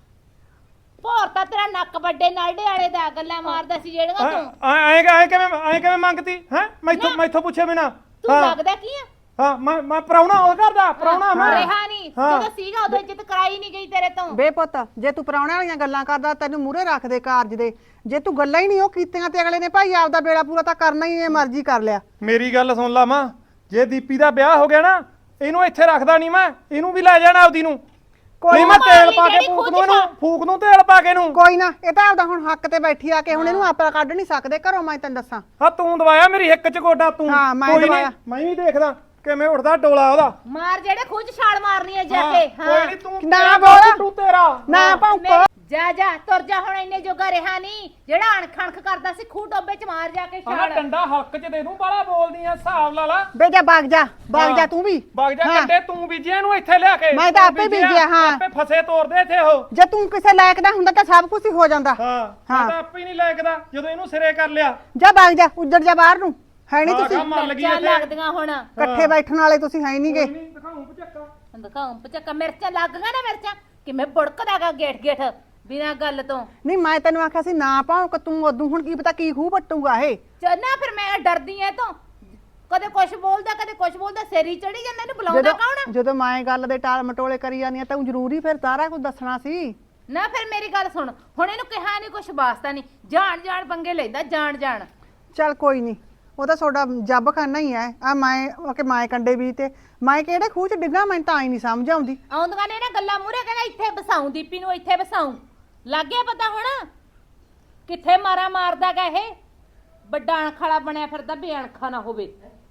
[SPEAKER 4] ਭੋਰ ਤਾਂ ਤੇਰਾ ਨੱਕ ਵੱਡੇ ਨਾਲਡੇ ਵਾਲੇ ਦਾ ਗੱਲਾਂ ਮਾਰਦਾ ਸੀ ਜਿਹੜੀਆਂ ਤੂੰ।
[SPEAKER 2] ਐ ਐ ਕਿਵੇਂ ਐ ਕਿਵੇਂ ਮੰਗਤੀ ਹੈ? ਮੈਥੋਂ
[SPEAKER 4] ਨਾ।
[SPEAKER 2] ਮੈਥੋਂ ਪੁੱਛੇ ਬਿਨਾ।
[SPEAKER 4] ਤੂੰ ਲੱਗਦਾ ਕੀ ਆ?
[SPEAKER 2] ਹਾਂ ਮੈਂ ਮੈਂ ਪ੍ਰਾਹੁਣਾ ਉਹ ਕਰਦਾ ਪ੍ਰਾਹੁਣਾ ਮੈਂ।
[SPEAKER 4] ਰਿਹਾ ਨਹੀਂ
[SPEAKER 2] ਹਾਂ।
[SPEAKER 4] ਜਦੋਂ ਸੀਗਾ ਉਦੋਂ ਇੱਜ਼ਤ ਕਰਾਈ ਨਹੀਂ ਗਈ ਤੇਰੇ ਤੋਂ।
[SPEAKER 3] ਬੇ ਪੁੱਤ ਜੇ ਤੂੰ ਪ੍ਰਾਹੁਣਿਆਂ ਵਾਲੀਆਂ ਗੱਲਾਂ ਕਰਦਾ ਤੈਨੂੰ ਮੂਹਰੇ ਰੱਖ ਦੇ ਕਾਰਜ ਦੇ। ਜੇ ਤੂੰ ਗੱਲਾਂ ਹੀ ਨਹੀਂ ਉਹ ਕੀਤੀਆਂ ਤੇ ਅਗਲੇ ਨੇ ਭਾਈ ਆਪਦਾ ਬੇੜਾ ਪੂਰਾ ਤਾਂ ਕਰਨਾ ਹੀ, ਇਹ ਮਰਜ਼ੀ ਕਰ ਲਿਆ।
[SPEAKER 2] ਮੇਰੀ ਗੱਲ ਸੁਣ ਲਾ ਮਾਂ, ਜੇ ਦੀਪੀ ਦਾ ਵਿਆਹ ਹੋ ਗਿਆ ਨਾ ਇਹਨੂੰ ਇੱਥੇ ਰੱਖਦਾ ਨਹੀਂ ਮੈਂ, ਇਹਨੂੰ ਵੀ ਲੈ ਜਾਣਾ ਆਪਦੀ ਨੂੰ। ਨਹੀਂ ਮੈਂ ਤੇਲ ਪਾ ਕੇ ਫੂਕ ਦੂੰ ਇਹਨੂੰ, ਫੂਕ ਦੂੰ ਤੇਲ ਪਾ ਕੇ ਇਹਨੂੰ।
[SPEAKER 3] ਕੋਈ ਨਾ ਇਹ ਤਾਂ ਆਪਦਾ ਹੁਣ ਹੱਕ ਤੇ ਬੈਠੀ ਆ ਕੇ ਹੁਣ ਇਹਨੂੰ ਆਪਾ ਕੱਢ ਨਹੀਂ ਸਕਦੇ ਘਰੋਂ। ਮੈਂ ਤੈਨੂੰ ਦੱਸਾਂ
[SPEAKER 2] ਹਾਂ ਤੂੰ ਦਵਾਇਆ ਮੇਰੀ ਹਿੱਕ 'ਚ ਗੋਡਾ ਤੂੰ।
[SPEAKER 3] ਹਾਂ, ਮੈਂ
[SPEAKER 2] ਕੋਈ ਨੀ,
[SPEAKER 3] ਦਵਾਇਆ।
[SPEAKER 2] ਮੈਂ ਵੀ ਦੇਖਦਾ ਕਿਵੇਂ ਉੱਠਦਾ ਡੋਲਾ ਉਹਦਾ।
[SPEAKER 4] ਮਾਰ ਜਿਹੜੇ ਖੂਹ 'ਚ ਛਾਲ ਮਾਰਨੀ ਹੈ ਜਾ
[SPEAKER 2] ਹਾਂ,
[SPEAKER 4] ਕੇ।
[SPEAKER 2] ਕੋਈ ਨਹੀਂ ਤੂੰ
[SPEAKER 3] ਨਾ
[SPEAKER 2] ਤੇਰਾ
[SPEAKER 3] ਬੋਲ।
[SPEAKER 2] ਤੂੰ ਤੇਰਾ
[SPEAKER 3] ਨਾ ਭੌਂਕੋ।
[SPEAKER 4] ਜਾ ਜਾ ਤੁਰ ਜਾ ਹੁਣ ਇੰਨੇ ਜੋਗਾ ਰਿਹਾ ਨਹੀਂ। ਜਿਹੜਾ ਅਣਖਣਖ ਕਰਦਾ ਸੀ ਖੂਹ ਟੋਬੇ 'ਚ ਮਾਰ ਜਾ ਕੇ
[SPEAKER 2] ਆਹ
[SPEAKER 4] ਛਾਲ।
[SPEAKER 2] ਡੰਡਾ ਹਲਕ 'ਚ ਦੇ ਦੂੰ, ਬਾਲਾ ਬੋਲਦੀ ਆ ਹਿਸਾਬ ਲਾ ਲਾ।
[SPEAKER 3] ਬੇ ਜਾ ਬਾਗ ਜਾ ਬਾਗ ਜਾ
[SPEAKER 2] ਹਾਂ।
[SPEAKER 3] ਤੂੰ ਵੀ।
[SPEAKER 2] ਵਗ ਜਾ
[SPEAKER 3] ਹਾਂ।
[SPEAKER 2] ਕੰਡੇ ਤੂੰ ਬੀਜਿਆ ਇਹਨੂੰ ਇੱਥੇ ਲਿਆ ਕੇ।
[SPEAKER 3] ਮੈਂ ਤਾਂ
[SPEAKER 2] ਤੂੰ
[SPEAKER 3] ਆਪੇ ਬੀਜਿਆ, ਹਾਂ।
[SPEAKER 2] ਆਪੇ ਫਸੇ ਤੋਰਦੇ ਇੱਥੇ ਉਹ।
[SPEAKER 3] ਜੇ ਤੂੰ ਕਿਸੇ ਲਾਇਕ ਦਾ ਹੁੰਦਾ ਤਾਂ ਸਭ ਕੁਝ ਹੀ ਹੋ ਜਾਂਦਾ।
[SPEAKER 2] ਹਾਂ
[SPEAKER 3] ਹਾਂ।
[SPEAKER 2] ਮੈਂ ਤਾਂ ਆਪੇ ਹੀ ਨਹੀਂ ਲਾਇਕਦਾ ਜਦੋਂ ਇਹਨੂੰ ਸਿਰੇ ਕਰ ਲਿਆ।
[SPEAKER 3] ਜਾ ਬਾਗ ਜਾ ਉੱਜੜ ਜਾ ਬਾਹਰ ਨੂੰ। ਹੈ ਨਹੀਂ
[SPEAKER 2] ਹਾਂ,
[SPEAKER 3] ਤੁਸੀਂ
[SPEAKER 2] ਕੰਮ ਮਰ ਲੱਗੀ
[SPEAKER 4] ਮਿਰਚਾਂ
[SPEAKER 2] ਇੱਥੇ।
[SPEAKER 4] ਲੱਗਦੀਆਂ ਹੁਣ।
[SPEAKER 3] ਇਕੱਠੇ ਬੈਠਣ ਵਾਲੇ ਤੁਸੀਂ ਹੈ ਨਹੀਂਗੇ।
[SPEAKER 2] ਕੋਈ ਨੀ, ਦਿਖਾਊਂ ਪਚੱਕਾ।
[SPEAKER 4] ਦਿਖਾਉਂ ਪਚੱਕਾ ਮਿਰਚਾਂ ਲੱਗ ਗਈਆਂ ਨਾ। ਮਿਰਚਾਂ ਕਿਵੇਂ ਬੁੜਕਦਾਗਾ ਗੇਠ ਗੇਠ ਬਿਨਾਂ ਗੱਲ ਤੋਂ।
[SPEAKER 3] ਨਹੀਂ ਮੈਂ ਤੈਨੂੰ ਆਖਿਆ ਸੀ ਨਾ ਭੌਂਕ ਤੂੰ ਉਦੋਂ। ਹੁਣ ਕੀ ਪਤਾ ਕੀ ਖੂਹ ਪੱਟੂਗਾ ਇਹ।
[SPEAKER 4] ਚੰਨਾ ਫਿਰ ਮੈਂ ਡਰਦੀ ਐ ਤੋਂ। ਕਦੇ ਕੁਛ ਬੋਲਦਾ ਕਦੇ ਕੁਛ ਬੋਲਦਾ, ਸਿਰ ਚੜੀ ਜਾਂਦਾ। ਇਹਨੂੰ ਬੁਲਾਉਂਦਾ ਕੌਣ ਆ?
[SPEAKER 3] ਜਦੋਂ ਮੈਂ ਗੱਲ ਦੇ ਟਾਲ ਮਟੋਲੇ ਕਰੀ ਜਾਂਦੀ ਆ ਤਾਂ ਉਹ ਜ਼ਰੂਰੀ ਫਿਰ ਸਾਰਾ ਕੁਝ ਦੱਸਣਾ ਸੀ
[SPEAKER 4] ਨਾ। ਫਿਰ ਮੇਰੀ ਗੱਲ ਸੁਣ, ਹੁਣ ਇਹਨੂੰ ਕਿਹਾ ਨਹੀਂ ਕੁਛ ਵਾਸਤਾ ਨਹੀਂ। ਜਾਣ ਜਾਣ ਪੰਗੇ ਲੈਂਦਾ ਜਾਣ ਜਾਣ।
[SPEAKER 3] ਚੱਲ ਕੋਈ ਨਹੀਂ, ਉਹ ਤਾਂ ਤੁਹਾਡਾ ਜੱਬ ਖਾਨਾ ਹੀ ਹੈ। ਆ ਮੈਂ ਕਿ ਮੈਂ ਕੰਡੇ ਵੀ ਤੇ ਮੈਂ ਕਿਹੜੇ ਖੂਹ ਚ ਡਿੱਗਾ ਮੈਨੂੰ ਤਾਂ ਆਈ ਨਹੀਂ ਸਮਝ ਆਉਂਦੀ।
[SPEAKER 4] ਆਉਂਦੀਆਂ ਨੇ ਨਾ ਗੱਲਾਂ ਮੂਹਰੇ, ਕਹਿੰਦਾ ਇੱਥੇ ਬਸਾਉਂ ਦੀਪੀ ਨੂੰ, ਇੱਥੇ ਬਸਾਉਂ। ਲੱਗ ਗਿਆ ਪਤਾ ਹੁਣ ਕਿੱਥੇ ਮਾਰਾ ਮਾਰਦਾ ਗਾ ਇਹ। ਵੱਡਾ ਅਣਖਾਲਾ ਬਣਿਆ ਫਿਰਦਾ, ਬੇਅਣਖਾ ਨਾ ਹੋਵੇ।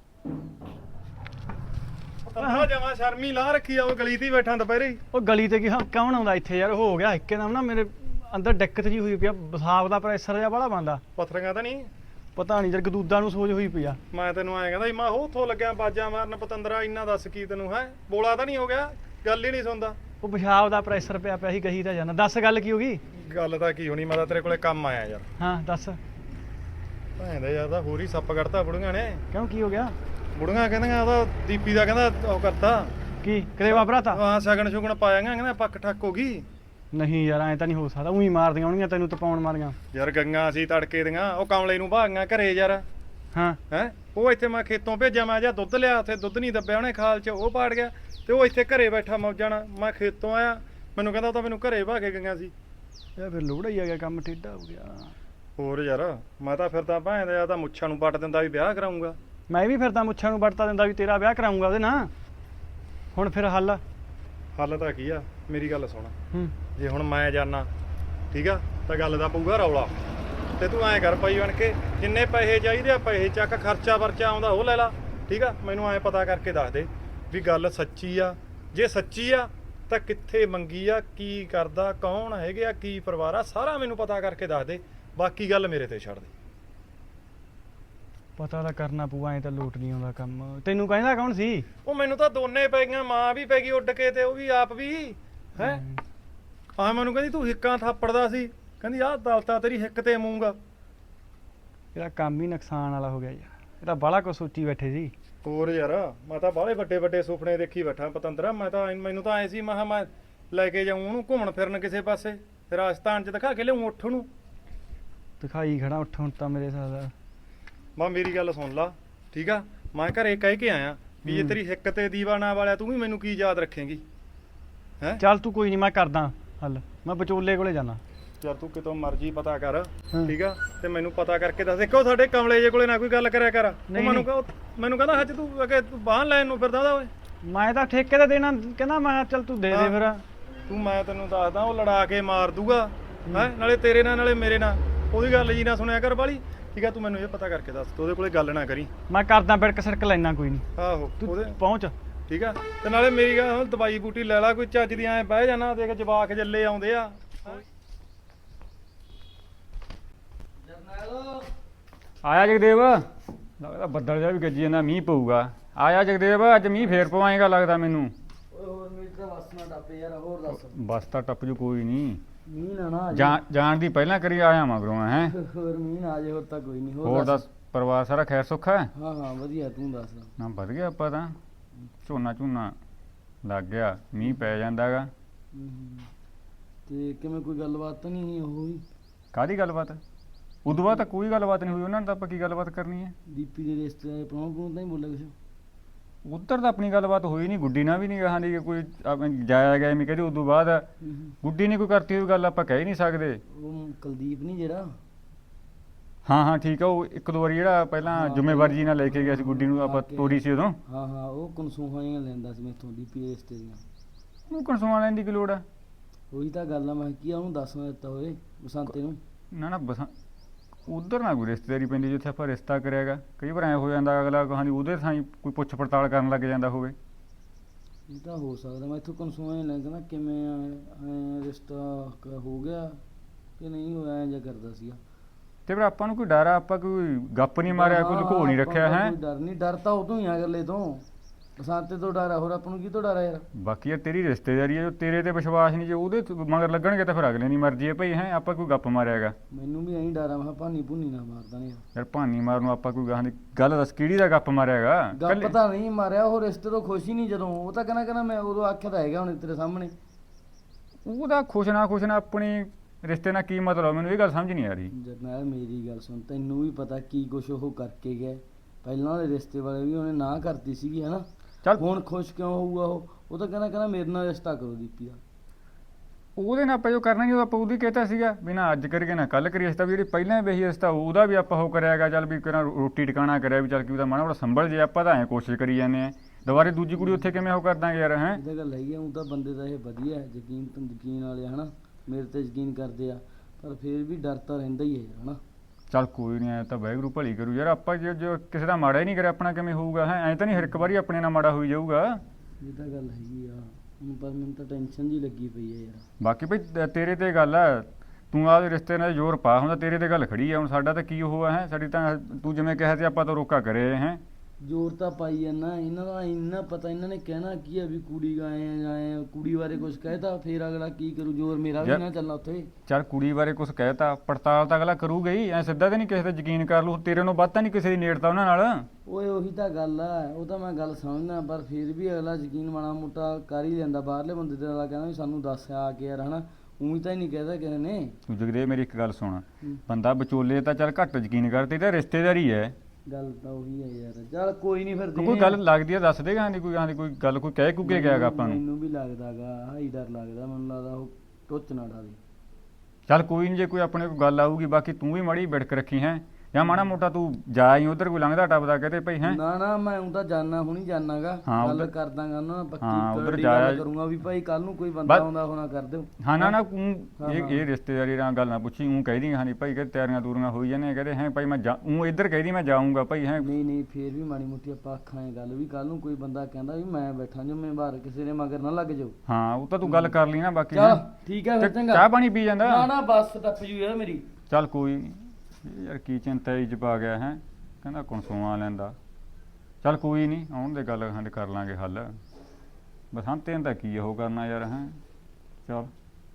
[SPEAKER 2] ਤਾਂ ਜਮਾ ਸ਼ਰਮੀ ਲਾ ਰੱਖੀ ਆ ਉਹ ਗਲੀ ਤੇ ਹੀ ਬੈਠਾ ਦੁਪਹਿਰੇ।
[SPEAKER 5] ਉਹ ਗਲੀ ਤੇ ਕੀ ਹਾਂ ਕੌਣ ਆਉਂਦਾ ਇੱਥੇ ਯਾਰ? ਹੋ ਗਿਆ ਇੱਕਦਮ ਨਾ ਮੇਰੇ ਅੰਦਰ ਦਿੱਕਤ ਜੀ ਹੋਈ ਪਈ ਆ। ਹਿਸਾਬ ਦਾ ਪ੍ਰੈਸ਼ਰ ਜਿਹਾ ਬੜਾ ਬੰਦਾ।
[SPEAKER 2] ਪੱਥਰੀਆਂ ਤਾਂ ਨਹੀਂ?
[SPEAKER 5] ਪਤਾ ਨਹੀਂ ਯਾਰ ਗਦੂਦਾਂ ਨੂੰ ਸੋਚ ਹੋਈ ਪਈ ਆ।
[SPEAKER 2] ਮੈਂ ਤੈਨੂੰ ਐਂ ਕਹਿੰਦਾ ਸੀ ਮੈਂ ਉਹ ਉੱਥੋਂ ਲੱਗਿਆ ਬਾਜਾਂ ਮਾਰਨ ਪਤੰਦਰਾ। ਇੰਨਾ ਦੱਸ ਕੀ ਤੈਨੂੰ ਹੈ? ਬੋਲਾ ਤਾਂ ਨਹੀਂ ਹੋ ਗਿਆ? ਗੱਲ ਹੀ ਨਹੀਂ ਸੁਣਦਾ।
[SPEAKER 5] ਉਹ ਪਿਸ਼ਾਬ ਦਾ ਪ੍ਰੈਸ਼ਰ ਪਿਆ ਪਿਆ ਸੀ ਕਹੀ ਤਾਂ ਜਾਂਦਾ। ਦੱਸ ਗੱਲ ਕੀ ਹੋ ਗਈ?
[SPEAKER 2] ਗੱਲ ਤਾਂ ਕੀ ਹੋਣੀ, ਮੈਂ ਤਾਂ ਤੇਰੇ ਕੋਲੇ ਕੰਮ ਆਇਆ ਯਾਰ।
[SPEAKER 5] ਹਾਂ ਦੱਸ
[SPEAKER 2] ਭੈਣ ਦਾ ਯਾਰ ਤਾਂ ਹੋਰ ਹੀ ਸੱਪ ਕੱਢਤਾ ਬੁੜੀਆਂ ਨੇ।
[SPEAKER 5] ਕਿਉਂ ਕੀ ਹੋ ਗਿਆ?
[SPEAKER 2] ਬੁੜੀਆਂ ਕਹਿੰਦੀਆਂ ਉਹਦਾ ਦੀਪੀ ਦਾ ਕਹਿੰਦਾ ਉਹ ਕਰਤਾ।
[SPEAKER 5] ਕੀ ਕਰੇਵਾ ਭਰਾਤਾ?
[SPEAKER 2] ਹਾਂ ਸ਼ਗਨ ਸ਼ੁਗਨ ਪਾਇਆਂਗਾ, ਕਹਿੰਦਾ ਪੱਕ ਠੱਕ ਹੋ ਗਈ।
[SPEAKER 5] ਨਹੀਂ ਯਾਰ ਐਂ ਤਾਂ ਨਹੀਂ ਹੋ ਸਕਦਾ। ਉਹੀ ਮਾਰਦੀਆਂ ਹੋਣਗੀਆਂ ਤੈਨੂੰ, ਤਪਾਉਣ ਮਾਰੀਆਂ।
[SPEAKER 2] ਯਾਰ ਗੰਗਾ ਸੀ ਤੜਕੇ ਦੀਆਂ, ਉਹ ਕਮਲੇ ਨੂੰ ਭਾਗੀਆਂ ਘਰੇ ਯਾਰ।
[SPEAKER 5] ਹਾਂ
[SPEAKER 2] ਹੈ ਉਹ ਇੱਥੇ ਮੈਂ ਖੇਤੋਂ ਭੇਜਿਆ, ਮੈਂ ਜਾਂ ਦੁੱਧ ਲਿਆ, ਉੱਥੇ ਦੁੱਧ ਨਹੀਂ ਦੱਬਿਆ ਉਹਨੇ ਖਾਲ 'ਚ, ਉਹ ਪਾੜ ਗਿਆ। ਤੇ ਉਹ ਇੱਥੇ ਘਰੇ ਬੈਠਾ ਮੌਜਾਂ ਨਾਲ। ਮੈਂ ਖੇਤੋਂ ਆਇਆ, ਮੈਨੂੰ ਕਹਿੰਦਾ ਉਹ ਤਾਂ ਮੈਨੂੰ ਘਰੇ ਭਾ ਕੇ ਗਈਆਂ ਸੀ।
[SPEAKER 5] ਯਾਰ ਫਿਰ ਲੋੜਾ ਹੀ ਆ ਗਿਆ, ਕੰਮ ਟੇਢਾ ਹੋ ਗਿਆ।
[SPEAKER 2] ਹੋਰ ਯਾਰ ਮੈਂ ਤਾਂ ਫਿਰ ਤਾਂ ਭੈਣ ਦਾ ਤਾਂ ਮੁੱਛਾਂ ਨੂੰ ਪੱਟ ਦਿੰਦਾ ਵੀ ਵਿਆਹ ਕਰਾਉਂਗਾ।
[SPEAKER 5] ਮੈਂ ਵੀ ਫਿਰ ਤਾਂ ਮੁੱਛਾਂ ਨੂੰ ਵੱਟਤਾ ਦਿੰਦਾ ਵੀ ਤੇਰਾ ਵਿਆਹ ਕਰਾਉਂਗਾ ਉਹਦੇ ਨਾਲ। ਹੁਣ ਫਿਰ ਹੱਲ?
[SPEAKER 2] ਹੱਲ ਤਾਂ ਕੀ ਆ, ਮੇਰੀ ਗੱਲ ਸੁਣ।
[SPEAKER 5] ਹੂੰ
[SPEAKER 2] ਜੇ ਹੁਣ ਮੈਂ ਜਾਣਾ ਠੀਕ ਆ ਤਾਂ ਗੱਲ ਦਾ ਪਊਗਾ ਰੌਲਾ। ਤੇ ਤੂੰ ਐਂ ਕਰ ਭਾਈ ਬਣ ਕੇ ਜਿੰਨੇ ਪੈਸੇ ਚਾਹੀਦੇ ਆ ਪੈਸੇ ਚੱਕ, ਖਰਚਾ ਵਰਚਾ ਆਉਂਦਾ ਉਹ ਲੈ ਲਾ, ਠੀਕ ਆ। ਮੈਨੂੰ ਐਂ ਪਤਾ ਕਰਕੇ ਦੱਸ ਦੇ ਵੀ ਗੱਲ ਸੱਚੀ ਆ। ਜੇ ਸੱਚੀ ਆ ਤਾਂ ਕਿੱਥੇ ਮੰਗੀ ਆ, ਕੀ ਕਰਦਾ, ਕੌਣ ਹੈਗੇ ਆ, ਕੀ ਪਰਿਵਾਰ ਆ, ਸਾਰਾ ਮੈਨੂੰ ਪਤਾ ਕਰਕੇ ਦੱਸ ਦੇ। ਬਾਕੀ ਗੱਲ ਮੇਰੇ ਤੇ ਛੱਡ ਦੇ।
[SPEAKER 5] ਪਤਾ ਤਾਂ ਕਰਨਾ ਪਊ, ਐਂ ਤਾਂ ਲੋਟ ਨਹੀਂ ਆਉਂਦਾ ਕੰਮ। ਤੈਨੂੰ ਕਹਿੰਦਾ ਕੌਣ ਸੀ?
[SPEAKER 2] ਉਹ ਮੈਨੂੰ ਤਾਂ ਦੋਨੇ ਪੈ ਗਈਆਂ, ਮਾਂ ਵੀ ਪੈ ਗਈ ਉੱਡ ਕੇ ਤੇ ਉਹ ਵੀ ਆਪ ਵੀ ਹੈ। ਆ ਮੈਨੂੰ ਕਹਿੰਦੀ ਤੂੰ ਹਿੱਕਾਂ ਥਾਪੜਦਾ ਸੀ, ਕਹਿੰਦੀ ਆਹ ਦਲਤਾ ਤੇਰੀ ਹਿੱਕ ਤੇ ਮੂੰਗਾ।
[SPEAKER 5] ਇਹਦਾ ਕੰਮ ਹੀ ਨੁਕਸਾਨ ਵਾਲਾ ਹੋ ਗਿਆ ਯਾਰ, ਇਹ ਤਾਂ ਬਾਹਲਾ ਕੁਛ ਸੋਚੀ ਬੈਠੇ ਸੀ।
[SPEAKER 2] ਹੋਰ ਯਾਰ ਮੈਂ ਤਾਂ ਬਾਹਲੇ ਵੱਡੇ ਵੱਡੇ ਸੁਪਨੇ ਦੇਖੀ ਬੈਠਾ ਪਤੰਦਰਾ। ਮੈਂ ਤਾਂ ਐਂ- ਮੈਨੂੰ ਤਾਂ ਐ ਸੀ ਮੈਂ ਕਿਹਾ ਮੈਂ ਲੈ ਕੇ ਜਾਊਂ ਉਹਨੂੰ ਘੁੰਮਣ ਫਿਰਨ ਕਿਸੇ ਪਾਸੇ, ਰਾਜਸਥਾਨ ਚ ਦਿਖਾ ਕੇ ਲਿਆਊਂ ਉੱਠ ਨੂੰ।
[SPEAKER 5] ਦਿਖਾਈ ਖੜਾ ਉੱਠ ਹੁਣ ਤਾਂ ਮੇਰੇ ਸਾਹ ਦਾ।
[SPEAKER 2] ਮੈਂ ਮੇਰੀ ਗੱਲ ਸੁਣ ਲਾ, ਠੀਕ ਆ। ਮੈਂ ਘਰੇ ਕਹਿ ਕੇ ਆਇਆ ਵੀ ਜੇ ਤੇਰੀ ਹਿੱਕ ਤੇ ਦੀਵਾਨਾ ਵਾਲਿਆ ਤੂੰ ਵੀ ਮੈਨੂੰ ਕੀ ਯਾਦ ਰੱਖੇਂਗੀ ਹੈ।
[SPEAKER 5] ਚੱਲ ਤੂੰ ਕੋਈ ਨਹੀਂ, ਮੈਂ ਕਰਦਾ ਹੱਲ। ਮੈਂ ਵਿਚੋਲੇ ਕੋਲੇ ਜਾਣਾ।
[SPEAKER 2] ਯਾਰ ਤੂੰ ਕਿਤੋਂ ਮਰਜ਼ੀ ਪਤਾ ਕਰ, ਠੀਕ ਆ, ਤੇ ਮੈਨੂੰ ਪਤਾ ਕਰਕੇ ਦੱਸ। ਦੇਖੋ ਸਾਡੇ ਕਮਲੇ ਜੇ ਕੋਲੇ ਨਾ ਕੋਈ ਗੱਲ ਕਰਿਆ ਕਰ। ਉਹ
[SPEAKER 5] ਨਹੀਂ,
[SPEAKER 2] ਮੈਨੂੰ ਕਹ ਮੈਨੂੰ ਕਹਿੰਦਾ ਹੱਜ ਤੂੰ ਅਗੇ ਤੂੰ ਬਾਹਨ ਲੈਣ ਨੂੰ ਫਿਰਦਾ ਉਹਦਾ ਓਏ।
[SPEAKER 5] ਮੈਂ ਤਾਂ ਠੇਕੇ ਤੇ ਦੇਣਾ ਕਹਿੰਦਾ, ਮੈਂ ਕਿਹਾ ਚੱਲ ਤੂੰ ਦੇ ਦੇ ਫਿਰ।
[SPEAKER 2] ਤੂੰ ਮੈਂ ਤੈਨੂੰ ਦੱਸਦਾ ਉਹ ਲੜਾ ਕੇ ਮਾਰ ਦੂਗਾ ਹੈ, ਨਾਲੇ ਤੇਰੇ ਨਾਲ ਨਾਲੇ ਮੇਰੇ ਨਾਲ। ਉਹਦੀ ਗੱਲ ਜੀ ਨਾ ਸੁਣਿਆ ਕਰ ਬਾਲੀ, ਠੀਕ ਆ। ਤੂੰ ਮੈਨੂੰ ਇਹ ਪਤਾ ਕਰਕੇ ਦੱਸ, ਤੂੰ ਉਹਦੇ ਕੋਲੇ ਗੱਲ ਨਾ ਕਰੀ।
[SPEAKER 5] ਮੈਂ ਕਰਦਾ ਬਿੜਕ ਸਿਰਕ ਲੈਣਾ ਕੋਈ ਨਹੀਂ,
[SPEAKER 2] ਆਹੋ
[SPEAKER 5] ਤੂੰ
[SPEAKER 2] ਉਹਦੇ
[SPEAKER 5] ਪਹੁੰਚ।
[SPEAKER 2] ਠੀਕ ਆ। ਤੇ ਨਾਲੇ ਮੇਰੀ ਗੱਲ ਹੁਣ ਦਵਾਈ ਬੂਟੀ ਲੈ ਲਾ ਕੋਈ ਚੱਜ ਦੀ, ਐਂ ਬਹਿ ਜਾਣਾ ਦੇਖ ਜਵਾਕ ਜੱਲੇ ਆਉਂਦੇ ਆ।
[SPEAKER 6] ਆਇਆ ਜਗਦੇਵ, ਲੱਗਦਾ ਬੱਦਲ ਜਿਹਾ ਵੀ ਗੱਜੀ ਜਾਂਦਾ, ਮੀਂਹ ਪਊਗਾ। ਆਇਆ ਜਗਦੇਵ, ਅੱਜ ਮੀਂਹ ਫੇਰ ਪਵਾਏਗਾ ਲੱਗਦਾ ਮੈਨੂੰ।
[SPEAKER 7] ਓਏ ਹੋਰ ਮੀਂਹ ਤਾਂ ਵਸ ਨਾ ਟੱਪ ਯਾਰ, ਹੋਰ ਦੱਸ।
[SPEAKER 6] ਬਸ ਤਾਂ ਟੱਪ ਜੂ ਕੋਈ ਨਹੀਂ।
[SPEAKER 7] ਮੀਂਹ ਨਾ ਨਾ ਆ
[SPEAKER 6] ਜਾਂ ਜਾਣ ਦੀ ਪਹਿਲਾਂ ਕਰੀ ਆਇਆ ਮਗਰੋਂ ਹੈ।
[SPEAKER 7] ਜਾਏ। ਹੋਰ ਮੀਂਹ ਨਾ ਆ ਜਾਏ, ਹੋਰ ਤਾਂ ਕੋਈ ਨਹੀਂ।
[SPEAKER 6] ਹੋਰ ਦੱਸ, ਪਰਿਵਾਰ ਸਾਰਾ ਖੈਰ ਸੁੱਖ ਹੈ?
[SPEAKER 7] ਹਾਂ ਹਾਂ ਵਧੀਆ, ਤੂੰ ਦੱਸ।
[SPEAKER 6] ਨਾ ਵਧ ਗਿਆ ਆਪਾਂ ਤਾਂ, ਝੋਨਾ ਝੋਨਾ ਲੱਗ ਗਿਆ, ਮੀਂਹ ਪੈ ਜਾਂਦਾਗਾ।
[SPEAKER 7] ਹੂੰ ਹੂੰ। ਤੇ ਕਿਵੇਂ ਕੋਈ ਗੱਲਬਾਤ ਤਾਂ ਨਹੀਂ ਹੋਈ?
[SPEAKER 6] ਕਾਹਦੀ ਗੱਲਬਾਤ? ਉਦੋਂ ਬਾਅਦ ਤਾਂ ਕੋਈ ਗੱਲਬਾਤ ਨਹੀਂ ਹੋਈ। ਉਹਨਾਂ ਨਾਲ ਤਾਂ ਆਪਾਂ ਕੀ ਗੱਲਬਾਤ ਕਰਨੀ ਹੈ?
[SPEAKER 7] ਦੀਪੀ ਦੇ ਰਿਸ਼ਤੇ ਪ੍ਰੋਂ ਪ੍ਰੋਂ ਤਾਂ ਹੀ ਬੋਲਿਆ ਕੁਛ?
[SPEAKER 6] ਉੱਧਰ ਤਾਂ ਆਪਣੀ ਗੱਲਬਾਤ ਹੋਈ ਨਹੀਂ, ਗੁੱਡੀ ਨਾਲ ਵੀ ਨਹੀਂ ਕਹਾਂਦੀ ਕਿ ਕੋਈ ਆਪਣੀ ਜਾਇਆ ਗਿਆ ਮੈਂ ਕਹਿੰਦੀ। ਉਦੋਂ ਬਾਅਦ
[SPEAKER 7] ਹੂੰ ਹੂੰ।
[SPEAKER 6] ਗੁੱਡੀ ਨੇ ਕੋਈ ਕਰਤੀ ਹੋਈ ਗੱਲ ਆਪਾਂ ਕਹਿ ਹੀ ਨਹੀਂ ਸਕਦੇ।
[SPEAKER 7] ਉਹ ਕੁਲਦੀਪ ਨਹੀਂ ਜਿਹੜਾ?
[SPEAKER 6] ਹਾਂ ਹਾਂ ਠੀਕ ਆ। ਉਹ ਇੱਕ ਦੋ ਵਾਰੀ ਜਿਹੜਾ ਪਹਿਲਾਂ
[SPEAKER 7] ਹਾਂ,
[SPEAKER 6] ਜ਼ਿੰਮੇਵਾਰੀ ਜੀ ਨਾਲ ਲੈ ਕੇ ਗਿਆ ਸੀ ਗੁੱਡੀ ਨੂੰ, ਆਪਾਂ
[SPEAKER 7] ਵਾਕਿਆ।
[SPEAKER 6] ਤੋਰੀ ਸੀ ਉਦੋਂ।
[SPEAKER 7] ਹਾਂ ਹਾਂ, ਉਹ ਕਨਸੂਹਾਂ ਹੀ ਲੈਂਦਾ ਸੀ ਮੈਥੋਂ ਦੀਪੀ ਦੇ ਰਿਸ਼ਤੇ ਦੀਆਂ।
[SPEAKER 6] ਉਹਨੂੰ ਕਨਸੂਆਂ ਲੈਣ ਦੀ ਕੀ ਲੋੜ ਆ?
[SPEAKER 7] ਉਹੀ ਤਾਂ ਗੱਲ ਆ, ਮੈਂ ਕੀ ਆ ਉਹਨੂੰ ਦੱਸ ਨਾ ਦਿੱਤਾ ਹੋਵੇ ਬਸੰਤੇ ਨੂੰ।
[SPEAKER 6] ਨਾ ਨਾ ਬਸ ਉਧਰ ਨਾ ਕੋਈ ਰਿਸ਼ਤੇਦਾਰੀ ਪੈਂਦੀ ਜਿੱਥੇ ਆਪਾਂ ਰਿਸ਼ਤਾ ਕਰਿਆਗਾ। ਕਈ ਵਾਰ ਐ ਹੋ ਜਾਂਦਾ ਅਗਲਾ ਕਹਾਣੀ ਉਹਦੇ ਥਾਂ ਹੀ ਕੋਈ ਪੁੱਛ ਪੜਤਾਲ ਕਰਨ ਲੱਗ ਜਾਂਦਾ ਹੋਵੇ।
[SPEAKER 7] ਇਹ ਤਾਂ ਹੋ ਸਕਦਾ। ਮੈਂ ਇੱਥੋਂ ਕਨਸੂਹਾਂ ਹੀ ਲੈਂਦਾ ਨਾ, ਕਿਵੇਂ ਆ ਐਂ ਰਿਸ਼ਤਾ ਕ- ਹੋ ਗਿਆ ਕਿ ਨਹੀਂ ਹੋਇਆ, ਐਂ ਜਿਹਾ ਕਰਦਾ ਸੀਗਾ।
[SPEAKER 6] ਤੇ ਫਿਰ ਆਪਾਂ ਨੂੰ ਕੋਈ ਡਰ ਆ? ਆਪਾਂ ਕੋਈ ਗੱਪ ਨਹੀਂ ਮਾਰਿਆ, ਕੋਈ ਲੁਕੋ ਨਹੀਂ ਰੱਖਿਆ ਹੈ।
[SPEAKER 7] ਕੋਈ ਡਰ ਨਹੀਂ, ਡਰ ਤਾਂ ਉਦੋਂ ਹੀ ਆ ਅਗਲੇ ਤੋਂ, ਬਸੰਤੇ ਤੋਂ ਡਰ ਆ, ਹੋਰ ਆਪਾਂ ਨੂੰ ਕੀ ਤੋਂ ਡਰ ਆ ਯਾਰ।
[SPEAKER 6] ਬਾਕੀ ਯਾਰ ਤੇਰੀ ਰਿਸ਼ਤੇਦਾਰੀ ਹੈ, ਜੋ ਤੇਰੇ ਤੇ ਵਿਸ਼ਵਾਸ ਨਹੀਂ, ਜੇ ਉਹਦੇ ਤੇ ਮਗਰ ਲੱਗਣਗੇ ਤਾਂ ਫਿਰ ਅਗਲੇ ਦੀ ਮਰਜ਼ੀ ਹੈ ਭਾਈ। ਹੈ ਆਪਾਂ ਕੋਈ ਗੱਪ ਮਾਰਿਆਗਾ?
[SPEAKER 7] ਮੈਨੂੰ ਵੀ ਐਂ ਡਰ ਆ, ਮੈਂ ਕਿਹਾ ਭਾਨੀ ਭੁੰਨੀ ਨਾ ਮਾਰਦਾ ਨੇ ਯਾਰ।
[SPEAKER 6] ਯਾਰ ਭਾਨੀ ਮਾਰ ਨੂੰ ਆਪਾਂ ਕੋਈ ਗਾਹਾਂ ਦੀ ਗੱਲ ਦੱਸ, ਕਿਹੜੀ ਦਾ ਗੱਪ ਮਾਰਿਆਗਾ?
[SPEAKER 7] ਗੱਪ ਤਾਂ ਨਹੀਂ ਮਾਰਿਆ, ਉਹ ਰਿਸ਼ਤੇ ਤੋਂ ਖੁਸ਼ ਹੀ ਨਹੀਂ ਜਦੋਂ। ਉਹ ਤਾਂ ਕਹਿੰਦਾ ਕਹਿੰਦਾ ਮੈਂ ਉਦੋਂ ਆਖਿਆ ਤਾਂ ਹੈਗਾ ਹੁਣ ਤੇਰੇ ਸਾਹਮਣੇ।
[SPEAKER 6] ਉਹਦਾ ਖੁਸ਼ ਨਾ ਖੁਸ਼ ਨਾ ਆਪਣੀ ਰਿਸ਼ਤੇ ਨਾਲ ਕੀ ਮਤਲਬ? ਮੈਨੂੰ ਇਹ ਗੱਲ ਸਮਝ ਨਹੀਂ ਆ ਰਹੀ।
[SPEAKER 7] ਜਰਨੈਲ ਮੇਰੀ ਗੱਲ ਸੁਣ, ਤੈਨੂੰ ਵੀ ਪਤਾ ਕੀ ਕੁਛ ਉਹ ਕਰਕੇ ਗਿਆ। ਪਹਿਲਾਂ ਵਾਲੇ ਰਿਸ਼ਤੇ ਵਾਲੇ ਵੀ ਉਹਨੇ ਨਾ ਕਰਤੀ ਸੀਗੀ ਹਨਾ।
[SPEAKER 6] ਚੱਲ
[SPEAKER 7] ਹੁਣ ਖੁਸ਼ ਕਿਉਂ ਹੋਊਗਾ ਉਹ? ਉਹ ਤਾਂ ਕਹਿੰਦਾ ਕਹਿੰਦਾ ਮੇਰੇ ਨਾਲ ਰਿਸ਼ਤਾ ਕਰੋ ਦੀਪੀ ਦਾ।
[SPEAKER 6] ਉਹਦੇ ਨਾਲ ਆਪਾਂ ਜੋ ਕਰਨਾ ਨਹੀਂ ਉਹ ਆਪਾਂ ਉਹਦੀ ਕਹਿਤਾ ਸੀਗਾ ਵੀ ਨਾ ਅੱਜ ਕਰੀਏ ਨਾ ਕੱਲ ਕਰੀਏ। ਰਿਸ਼ਤਾ ਵੀ ਜਿਹੜੀ ਪਹਿਲਾਂ ਵੇਹੀ ਰਿਸ਼ਤਾ ਉਹਦਾ ਵੀ ਆਪਾਂ ਉਹ ਕਰਿਆਗਾ। ਚੱਲ ਵੀ ਕਿਹੜਾ ਰੋਟੀ ਟਿਕਾਣਾ ਕਰਿਆ ਵੀ ਚੱਲ ਕੀ ਉਹਦਾ ਮਾੜਾ ਮੋਟਾ ਸੰਭਲ ਜੇ। ਆਪਾਂ ਤਾਂ ਐਂ ਕੋਸ਼ਿਸ਼ ਕਰੀ ਜਾਂਦੇ ਆ, ਦੁਬਾਰੇ ਦੂਜੀ ਕੁੜੀ ਉੱਥੇ ਕਿਵੇਂ ਉਹ ਕਰ ਦਾਂਗੇ ਯਾਰ ਹੈ।
[SPEAKER 7] ਇਹ ਤਾਂ ਗੱਲ ਹੈਗੀ ਆ, ਉਹ ਤਾਂ ਬੰਦੇ ਦਾ ਇਹ ਵਧੀਆ ਹੈ, ਯਕੀਨ ਤਾਂ ਯਕੀਨ ਵਾਲੇ ਹਨਾ, ਮੇਰੇ ਤੇ ਯਕੀਨ ਕਰਦੇ ਆ, ਪਰ ਫਿਰ ਵੀ ਡਰ ਤਾਂ ਰਹਿੰਦਾ ਹੀ ਹੈ ਯਾਰ ਹਨਾ।
[SPEAKER 6] ਚੱਲ ਕੋਈ ਨਹੀਂ, ਐ ਤਾਂ ਵਾਹਿਗੁਰੂ ਭਲੀ ਕਰੂ ਯਾਰ। ਆਪਾਂ ਜੇ ਜੋ ਕਿਸੇ ਦਾ ਮਾੜਾ ਹੀ ਨਹੀਂ ਕਰਿਆ ਆਪਣਾ ਕਿਵੇਂ ਹੋਊਗਾ ਹੈ। ਐਂ ਤਾਂ ਨਹੀਂ ਹਰ ਇੱਕ ਵਾਰੀ ਆਪਣੇ ਨਾਲ ਮਾੜਾ ਹੋਈ ਜਾਊਗਾ।
[SPEAKER 7] ਇਹ ਤਾਂ ਗੱਲ ਹੈਗੀ ਆ ਹੁਣ, ਪਰ ਮੈਨੂੰ ਤਾਂ ਟੈਨਸ਼ਨ ਜੀ ਲੱਗੀ ਪਈ ਹੈ ਯਾਰ।
[SPEAKER 6] ਬਾਕੀ ਭਈ ਤ- ਤੇਰੇ ਤੇ ਗੱਲ ਆ, ਤੂੰ ਆਪਦੇ ਰਿਸ਼ਤੇ ਨਾਲ ਜ਼ੋਰ ਪਾ ਹੁੰਦਾ, ਤੇਰੇ ਤੇ ਗੱਲ ਖੜੀ ਆ। ਹੁਣ ਸਾਡਾ ਤਾਂ ਕੀ ਉਹ ਹੈ, ਸਾਡੀ ਤਾਂ ਤੂੰ ਜਿਵੇਂ ਕਿਹਾ ਸੀ ਆਪਾਂ ਤਾਂ ਰੋਕਾ ਕਰੇ ਹੈ।
[SPEAKER 7] ਜ਼ੋਰ ਤਾਂ ਪਾਈ ਜਾਂਦਾ ਇਹਨਾਂ ਦਾ, ਇੰਨਾ ਪਤਾ ਇਹਨਾਂ ਨੇ ਕਹਿਣਾ ਕੀ ਆ ਵੀ ਕੁੜੀ ਗਾਏ ਆ ਜਾਏ ਆ, ਕੁੜੀ ਬਾਰੇ ਕੁਝ ਕਹਿਤਾ ਫਿਰ ਅਗਲਾ ਕੀ ਕਰੂ? ਜ਼ੋਰ ਮੇਰਾ ਵੀ
[SPEAKER 6] ਯਾਰ-
[SPEAKER 7] ਨਾ ਚੱਲਣਾ ਉੱਥੇ।
[SPEAKER 6] ਚੱਲ ਕੁੜੀ ਬਾਰੇ ਕੁਝ ਕਹਿਤਾ, ਪੜਤਾਲ ਤਾਂ ਅਗਲਾ ਕਰੂਗਾ ਹੀ। ਐ ਸਿੱਧਾ ਤਾਂ ਨਹੀਂ ਕਿਸੇ ਤੇ ਯਕੀਨ ਕਰ ਲੂ। ਤੇਰੇ ਨੂੰ ਵੱਧ ਤਾਂ ਨਹੀਂ ਕਿਸੇ ਦੀ ਨੇੜਤਾ ਉਹਨਾਂ ਨਾਲ।
[SPEAKER 7] ਓਏ ਉਹੀ ਤਾਂ ਗੱਲ ਆ, ਉਹ ਤਾਂ ਮੈਂ ਗੱਲ ਸਮਝਦਾ, ਪਰ ਫਿਰ ਵੀ ਅਗਲਾ ਯਕੀਨ ਮਾੜਾ ਮੋਟਾ ਕਰ ਹੀ ਲੈਂਦਾ। ਬਾਹਰਲੇ ਬੰਦੇ ਦੇ ਨਾਲ ਕਹਿੰਦਾ ਵੀ ਸਾਨੂੰ ਦੱਸ ਆ ਕੇ ਯਾਰ ਹਨਾ, ਊਂ ਤਾਂ ਹੀ ਨਹੀਂ ਕਹਿਦਾ ਕਿਸੇ ਨੇ।
[SPEAKER 6] ਤੂੰ ਜਗਦੇ ਮੇਰੀ ਇੱਕ ਗੱਲ ਸੁਣ,
[SPEAKER 7] ਹੂੰ।
[SPEAKER 6] ਬੰਦਾ ਵਿਚੋਲੇ ਤਾਂ ਚੱਲ ਘੱਟ ਯਕੀਨ ਕਰ, ਤੇ ਇਹਦਾ ਰਿਸ਼ਤੇਦਾਰੀ ਹੈ।
[SPEAKER 7] ਗੱਲ ਤਾਂ ਉਹੀ ਹੈ ਯਾਰ। ਚੱਲ ਕੋਈ ਨਹੀਂ ਫਿਰ
[SPEAKER 6] ਕੋਈ
[SPEAKER 7] ਦੇਖਦੇ
[SPEAKER 6] ਗੱਲ ਲੱਗਦੀ ਆ ਦੱਸ ਦੇ ਗਾਂ ਦੀ, ਕੋਈ ਗਾਂ ਦੀ ਕੋਈ ਗੱਲ ਕੋਈ ਕਹਿ ਕੁਕੇ ਗਿਆਗਾ ਆਪਾਂ ਨੂੰ।
[SPEAKER 7] ਮੈਨੂੰ ਵੀ ਲੱਗਦਾਗਾ, ਹਾਈ ਡਰ ਲੱਗਦਾ ਮੈਨੂੰ, ਲੱਗਦਾ ਉਹ ਟੁੱਚ ਨਾ ਡਾਲੇ।
[SPEAKER 6] ਚੱਲ ਕੋਈ ਨਹੀਂ, ਜੇ ਕੋਈ ਆਪਣੇ ਕੋਲ ਗੱਲ ਆਊਗੀ। ਬਾਕੀ ਤੂੰ ਵੀ ਮਾੜੀ ਬਿੜਕ ਰੱਖੀ ਹੈ, ਜਾਂ ਮਾੜਾ ਮੋਟਾ ਤੂੰ ਜਾ ਹੀ ਉਧਰ ਕੋਈ ਲੰਘਦਾ ਟੱਪਦਾ ਕਹਿੰਦੇ ਭਾਈ ਹੈ
[SPEAKER 7] ਨਾ ਨਾ ਮੈਂ ਹੁਣ ਤਾਂ ਜਾਣਾ ਹੁਣੀ ਜਾਣਾਗਾ
[SPEAKER 6] ਹਾਂ,
[SPEAKER 7] ਗੱਲ
[SPEAKER 6] ਉੱਧਰ-
[SPEAKER 7] ਕਰਦਾਂਗਾ ਉਹਨਾਂ ਨਾਲ ਪੱਕੀ
[SPEAKER 6] ਹਾਂ, ਉੱਧਰ
[SPEAKER 7] ਤੁਹਾਡੀ
[SPEAKER 6] ਜਾਇਆ-
[SPEAKER 7] ਗੱਲ ਕਰੂੰਗਾ ਵੀ ਭਾਈ ਕੱਲ ਨੂੰ ਕੋਈ ਬੰਦਾ
[SPEAKER 6] ਬਸ-
[SPEAKER 7] ਆਉਂਦਾ ਹੋਣਾ ਕਰ ਦਿਓ
[SPEAKER 6] ਹਾਂ ਨਾ ਨਾ ਊਂ
[SPEAKER 7] ਹਾਂ,
[SPEAKER 6] ਇਹ
[SPEAKER 7] ਹਾਂ।
[SPEAKER 6] ਇਹ ਰਿਸ਼ਤੇਦਾਰੀ ਨਾਲ ਗੱਲ ਨਾ ਪੁੱਛੀ ਉਹ ਕਹਿ ਦੀ ਹਾਂਜੀ ਭਾਈ ਕਿ ਤਿਆਰੀਆਂ ਤੂਰੀਆਂ ਹੋਈ ਜਾਂਦੀਆਂ ਕਹਿੰਦੇ ਹੈ ਭਾਈ ਮੈਂ ਜਾ ਉਹ ਇੱਧਰ ਕਹਿ ਦੀ ਮੈਂ ਜਾਊਂਗਾ ਭਾਈ ਹੈ
[SPEAKER 7] ਨਹੀਂ ਨਹੀਂ ਫੇਰ ਵੀ ਮਾੜੀ ਮੋਟੀ ਆਪਾਂ ਅੱਖਾਂ ਇਹ ਗੱਲ ਵੀ ਕੱਲ ਨੂੰ ਕੋਈ ਬੰਦਾ ਕਹਿੰਦਾ ਵੀ ਮੈਂ ਬੈਠਾ ਜ਼ਿੰਮੇਵਾਰ ਕਿਸੇ ਨੇ ਮਗਰ ਨਾ ਲੱਗ ਜਾਓ
[SPEAKER 6] ਹਾਂ ਉਹ ਤਾਂ ਤੂੰ ਗੱਲ ਕਰ ਲਈ ਨਾ ਬਾਕੀ
[SPEAKER 7] ਚਲ
[SPEAKER 6] ਹੈਂ।
[SPEAKER 7] ਠੀਕ ਹੈ ਫਿਰ
[SPEAKER 6] ਤੇ
[SPEAKER 7] ਚੰਗਾ
[SPEAKER 6] ਚਾਹ ਪਾਣੀ ਪੀ ਜਾਂਦਾ
[SPEAKER 7] ਨਾ ਨਾ ਬੱਸ ਟੱਪ ਜੂ ਯਾਰ ਮੇਰੀ
[SPEAKER 6] ਚੱਲ ਕੋਈ ਨੀ। ਇਹ ਯਾਰ ਕੀ ਚਿੰਤਾ ਹੀ ਚ ਪਾ ਗਿਆ ਹੈ ਕਹਿੰਦਾ ਕੌਣ ਲੈਂਦਾ ਚੱਲ ਕੋਈ ਨਹੀਂ ਆਉਣ ਦੇ ਗੱਲ ਹੰਡ ਕਰ ਲਾਂਗੇ ਹੱਲ ਬਸ ਹਾਂ ਤੈਨੂੰ ਤਾਂ ਕੀ ਉਹ ਕਰਨਾ ਯਾਰ ਹੈ ਚੱਲ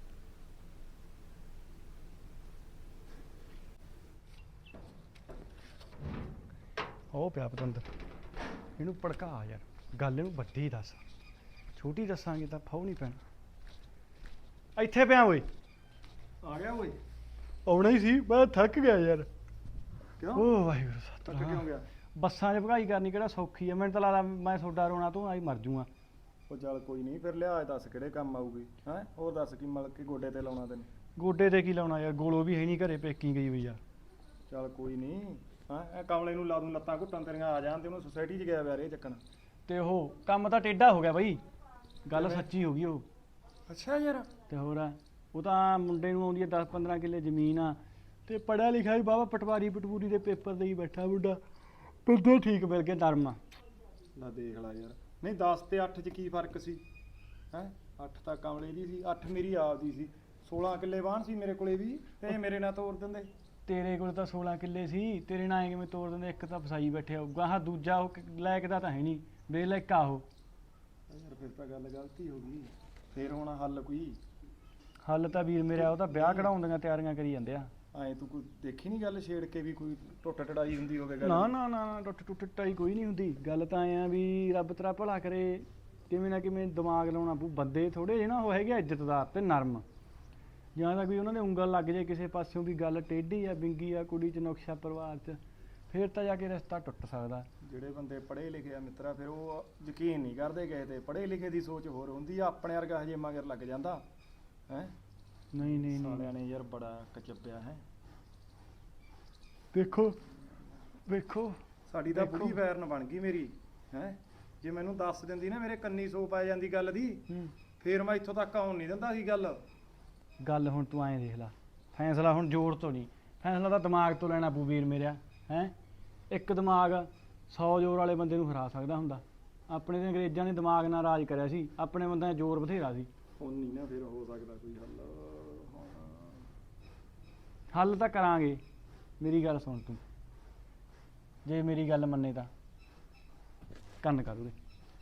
[SPEAKER 5] ਉਹ ਪਿਆ ਪਤੰਦਰ ਇਹਨੂੰ ਭੜਕਾ ਯਾਰ ਗੱਲ ਇਹਨੂੰ ਵੱਡੀ ਦੱਸ ਛੋਟੀ ਦੱਸਾਂਗੇ ਤਾਂ ਫਾਉ ਨਹੀਂ ਪੈਣਾ ਇੱਥੇ ਪਿਆ ਓਏ
[SPEAKER 2] ਆ ਗਿਆ ਓਏ
[SPEAKER 5] ਆਉਣਾ ਹੀ ਸੀ ਮੈਂ ਥੱਕ ਗਿਆ ਯਾਰ
[SPEAKER 2] ਕਿਉਂ
[SPEAKER 5] ਓ ਵਾਹਿਗੁਰੂ
[SPEAKER 2] ਤੱਕ
[SPEAKER 5] ਸਤਿਨਾਮ
[SPEAKER 2] ਕਿਉਂ ਗਿਆ
[SPEAKER 5] ਬੱਸਾਂ 'ਚ ਭਗਾਈ ਕਰਨੀ ਕਿਹੜਾ ਸੌਖੀ ਆ ਮੈਨੂੰ ਤਾਂ ਲੱਗਦਾ ਮੈਂ ਤੁਹਾਡਾ ਰੋਣਾ ਤੂੰ ਆਈ ਮਰ ਜੂਆਂ
[SPEAKER 2] ਉਹ ਚੱਲ ਕੋਈ ਨਹੀਂ ਫਿਰ ਲਿਆ ਦੱਸ ਕਿਹੜੇ ਕੰਮ ਆਊਗੀ ਹੈ ਹੋਰ ਦੱਸ ਕੀ ਮਲ ਕੇ ਗੋਡੇ ਤੇ ਲਾਉਣਾ ਤੈਨੂੰ
[SPEAKER 5] ਗੋਡੇ ਤੇ ਕੀ ਲਾਉਣਾ ਯਾਰ ਗੋਲੋ ਵੀ ਹੈ ਨਹੀਂ ਘਰੇ ਪੇਕੀ ਗਈ ਹੋਈ ਆ
[SPEAKER 2] ਚੱਲ ਕੋਈ ਨਹੀਂ ਹਾਂ ਇਹ ਕਮਲੇ ਨੂੰ ਲਾ ਦੂੰ ਲੱਤਾਂ ਘੁੱਟਣ ਤੇਰੀਆਂ ਆ ਜਾਣ ਤੇ ਉਹਨੂੰ ਸੁਸਾਇਟੀ 'ਚ ਗਿਆ ਵਿਆਹ ਇਹ ਚੱਕਣ
[SPEAKER 5] ਤੇ ਉਹ ਕੰਮ ਤਾਂ ਟੇਢਾ ਹੋ ਗਿਆ ਬਈ ਗੱਲ ਸੱਚੀ ਹੋ ਗਈ ਉਹ
[SPEAKER 2] ਅੱਛਾ ਯਾਰ
[SPEAKER 5] ਤੇ ਹੋਰ ਆ, ਉਹ ਤਾਂ ਮੁੰਡੇ ਨੂੰ ਆਉਂਦੀ ਹੈ ਦਸ ਪੰਦਰਾਂ ਕਿੱਲੇ ਜ਼ਮੀਨ ਆ ਤੇ ਪੜਿਆ ਲਿਖਿਆ ਵੀ ਬਾਬਾ ਪਟਵਾਰੀ ਪਟਵੂਰੀ ਦੇ ਪੇਪਰ ਦੇ ਹੀ ਬੈਠਾ ਮੁੰਡਾ ਬੰਦੇ ਠੀਕ ਮਿਲ ਗਏ ਨਰਮ ਆ।
[SPEAKER 2] ਲੈ ਦੇਖ ਲੈ ਯਾਰ ਨਹੀਂ ਦਸ ਤੇ ਅੱਠ 'ਚ ਕੀ ਫਰਕ ਸੀ ਹੈ ਅੱਠ ਤਾਂ ਕਮਲੇ ਦੀ ਸੀ ਅੱਠ ਮੇਰੀ ਆਪਦੀ ਸੀ ਸੋਲਾਂ ਕਿੱਲੇ ਬਾਣ ਸੀ ਮੇਰੇ ਕੋਲੇ ਵੀ ਤੇ ਇਹ ਮੇਰੇ ਨਾਲ ਤੋਰ ਦਿੰਦੇ
[SPEAKER 5] ਤੇਰੇ ਕੋਲ ਤਾਂ ਸੋਲਾਂ ਕਿੱਲੇ ਸੀ ਤੇਰੇ ਨਾਲ ਐਂ ਕਿਵੇਂ ਤੋੜ ਦਿੰਦੇ ਇੱਕ ਤਾਂ ਫਸਾਈ ਬੈਠੇ ਹੋਊਗਾ ਹਾਂ ਦੂਜਾ ਉਹ ਲਾਇਕ ਦਾ ਤਾਂ ਹੈ ਨਹੀਂ ਬੇਲਾਇਕ ਆ ਉਹ
[SPEAKER 2] ਯਾਰ ਫਿਰ ਤਾਂ ਗੱਲ ਗਲਤੀ ਹੋ ਗਈ ਫੇਰ ਹੋਣਾ ਹੱਲ ਕੋਈ
[SPEAKER 5] ਹੱਲ ਤਾਂ ਵੀਰ ਮੇਰਾ ਉਹ ਤਾਂ ਵਿਆਹ ਕਢਾਉਣ ਦੀਆਂ ਤਿਆਰੀਆਂ ਕਰੀ ਜਾਂਦੇ ਆ
[SPEAKER 2] ਐ ਤੂੰ ਕੋਈ ਦੇਖੀ ਨਹੀਂ ਗੱਲ ਛੇੜ ਕੇ ਵੀ ਕੋਈ ਟੁੱਟ ਟੜਾਈ ਹੁੰਦੀ ਹੋਵੇ ਗੱਲ
[SPEAKER 5] ਨਾ ਨਾ ਨਾ ਨਾ, ਟੁੱਟ ਟੁੱਟ ਟਾਈ ਕੋਈ ਨਹੀਂ ਹੁੰਦੀ ਗੱਲ ਤਾਂ ਐ ਆ ਵੀ ਰੱਬ ਤੇਰਾ ਭਲਾ ਕਰੇ ਕਿਵੇਂ ਨਾ ਕਿਵੇਂ ਦਿਮਾਗ ਲਾਉਣਾ ਪਊ ਬੰਦੇ ਥੋੜੇ ਜਿਹੇ ਨਾ ਉਹ ਹੈਗੇ ਆ ਇੱਜ਼ਤਦਾਰ ਤੇ ਨਰਮ ਜਾਂ ਤਾਂ ਕੋਈ ਉਹਨਾਂ ਦੇ ਉਂਗਲ ਲੱਗ ਜੇ ਕਿਸੇ ਪਾਸਿਓਂ ਵੀ ਗੱਲ ਟੇਢੀ ਆ ਬਿੰਗੀ ਆ ਕੁੜੀ 'ਚ ਨੁਕਸ਼ਾ ਪਰਿਵਾਰ 'ਚ ਫਿਰ ਤਾਂ ਜਾ ਕੇ ਰਿਸ਼ਤਾ ਟੁੱਟ ਸਕਦਾ
[SPEAKER 2] ਜਿਹੜੇ ਬੰਦੇ ਪੜ੍ਹੇ ਲਿਖੇ ਆ ਮਿੱਤਰਾ ਫਿਰ ਉਹ ਯਕੀਨ ਨਹੀਂ ਕਰਦੇ ਗਏ ਤੇ ਪੜ੍ਹੇ ਲਿਖੇ ਦੀ ਸੋਚ ਹੋਰ ਹੁੰਦੀ ਆ ਆਪਣੇ ਵਰਗਾ ਹਜੇ ਮਗਰ ਲੱਗ ਜਾਂਦਾ ਹੈ
[SPEAKER 5] ਨਹੀਂ ਨਹੀਂ ਨਹੀਂ
[SPEAKER 2] ਸਾਲਿਆਂ ਨੇ ਯਾਰ ਬੜਾ ਕਚੱਬਿਆ ਹੈ
[SPEAKER 5] ਵੇਖੋ ਵੇਖੋ
[SPEAKER 2] ਸਾਡੀ ਤਾਂ ਬੁਰੀ ਵੈਰਨ ਬਣ ਗਈ ਮੇਰੀ ਹੈ ਜੇ ਮੈਨੂੰ ਦੱਸ ਦਿੰਦੀ ਨਾ ਮੇਰੇ ਕੰਨੀ ਸੋ ਪੈ ਜਾਂਦੀ ਗੱਲ ਦੀ
[SPEAKER 5] ਹੂੰ
[SPEAKER 2] ਫੇਰ ਮੈਂ ਇੱਥੋਂ ਤੱਕ ਆਉਣ ਨਹੀਂ ਦਿੰਦਾ ਸੀ ਗੱਲ
[SPEAKER 5] ਗੱਲ ਹੁਣ ਤੂੰ ਐਂ ਦੇਖ ਲੈ ਫੈਸਲਾ ਹੁਣ ਜ਼ੋਰ ਤੋਂ ਨਹੀਂ ਫੈਸਲਾ ਤਾਂ ਦਿਮਾਗ ਤੋਂ ਲੈਣਾ ਪਊ ਵੀਰ ਮੇਰਿਆ ਹੈ ਇੱਕ ਦਿਮਾਗ ਸੌ ਜ਼ੋਰ ਵਾਲੇ ਬੰਦੇ ਨੂੰ ਹਰਾ ਸਕਦਾ ਹੁੰਦਾ ਆਪਣੇ ਤੇ ਅੰਗਰੇਜ਼ਾਂ ਨੇ ਦਿਮਾਗ ਨਾਲ ਰਾਜ ਕਰਿਆ ਸੀ ਆਪਣੇ ਬੰਦਿਆਂ 'ਚ ਜ਼ੋਰ ਬਥੇਰਾ ਸੀ
[SPEAKER 2] ਹੁਣ ਨਹੀਂ ਨਾ ਫਿਰ ਹੋ ਸਕਦਾ ਕੋਈ ਹੱਲ ਹੁਣ
[SPEAKER 5] ਹੱਲ ਤਾਂ ਕਰਾਂਗੇ ਮੇਰੀ ਗੱਲ ਸੁਣ ਤੂੰ ਜੇ ਮੇਰੀ ਗੱਲ ਮੰਨੇ ਤਾਂ ਕੰਨ ਕਰ ਉਹਦੇ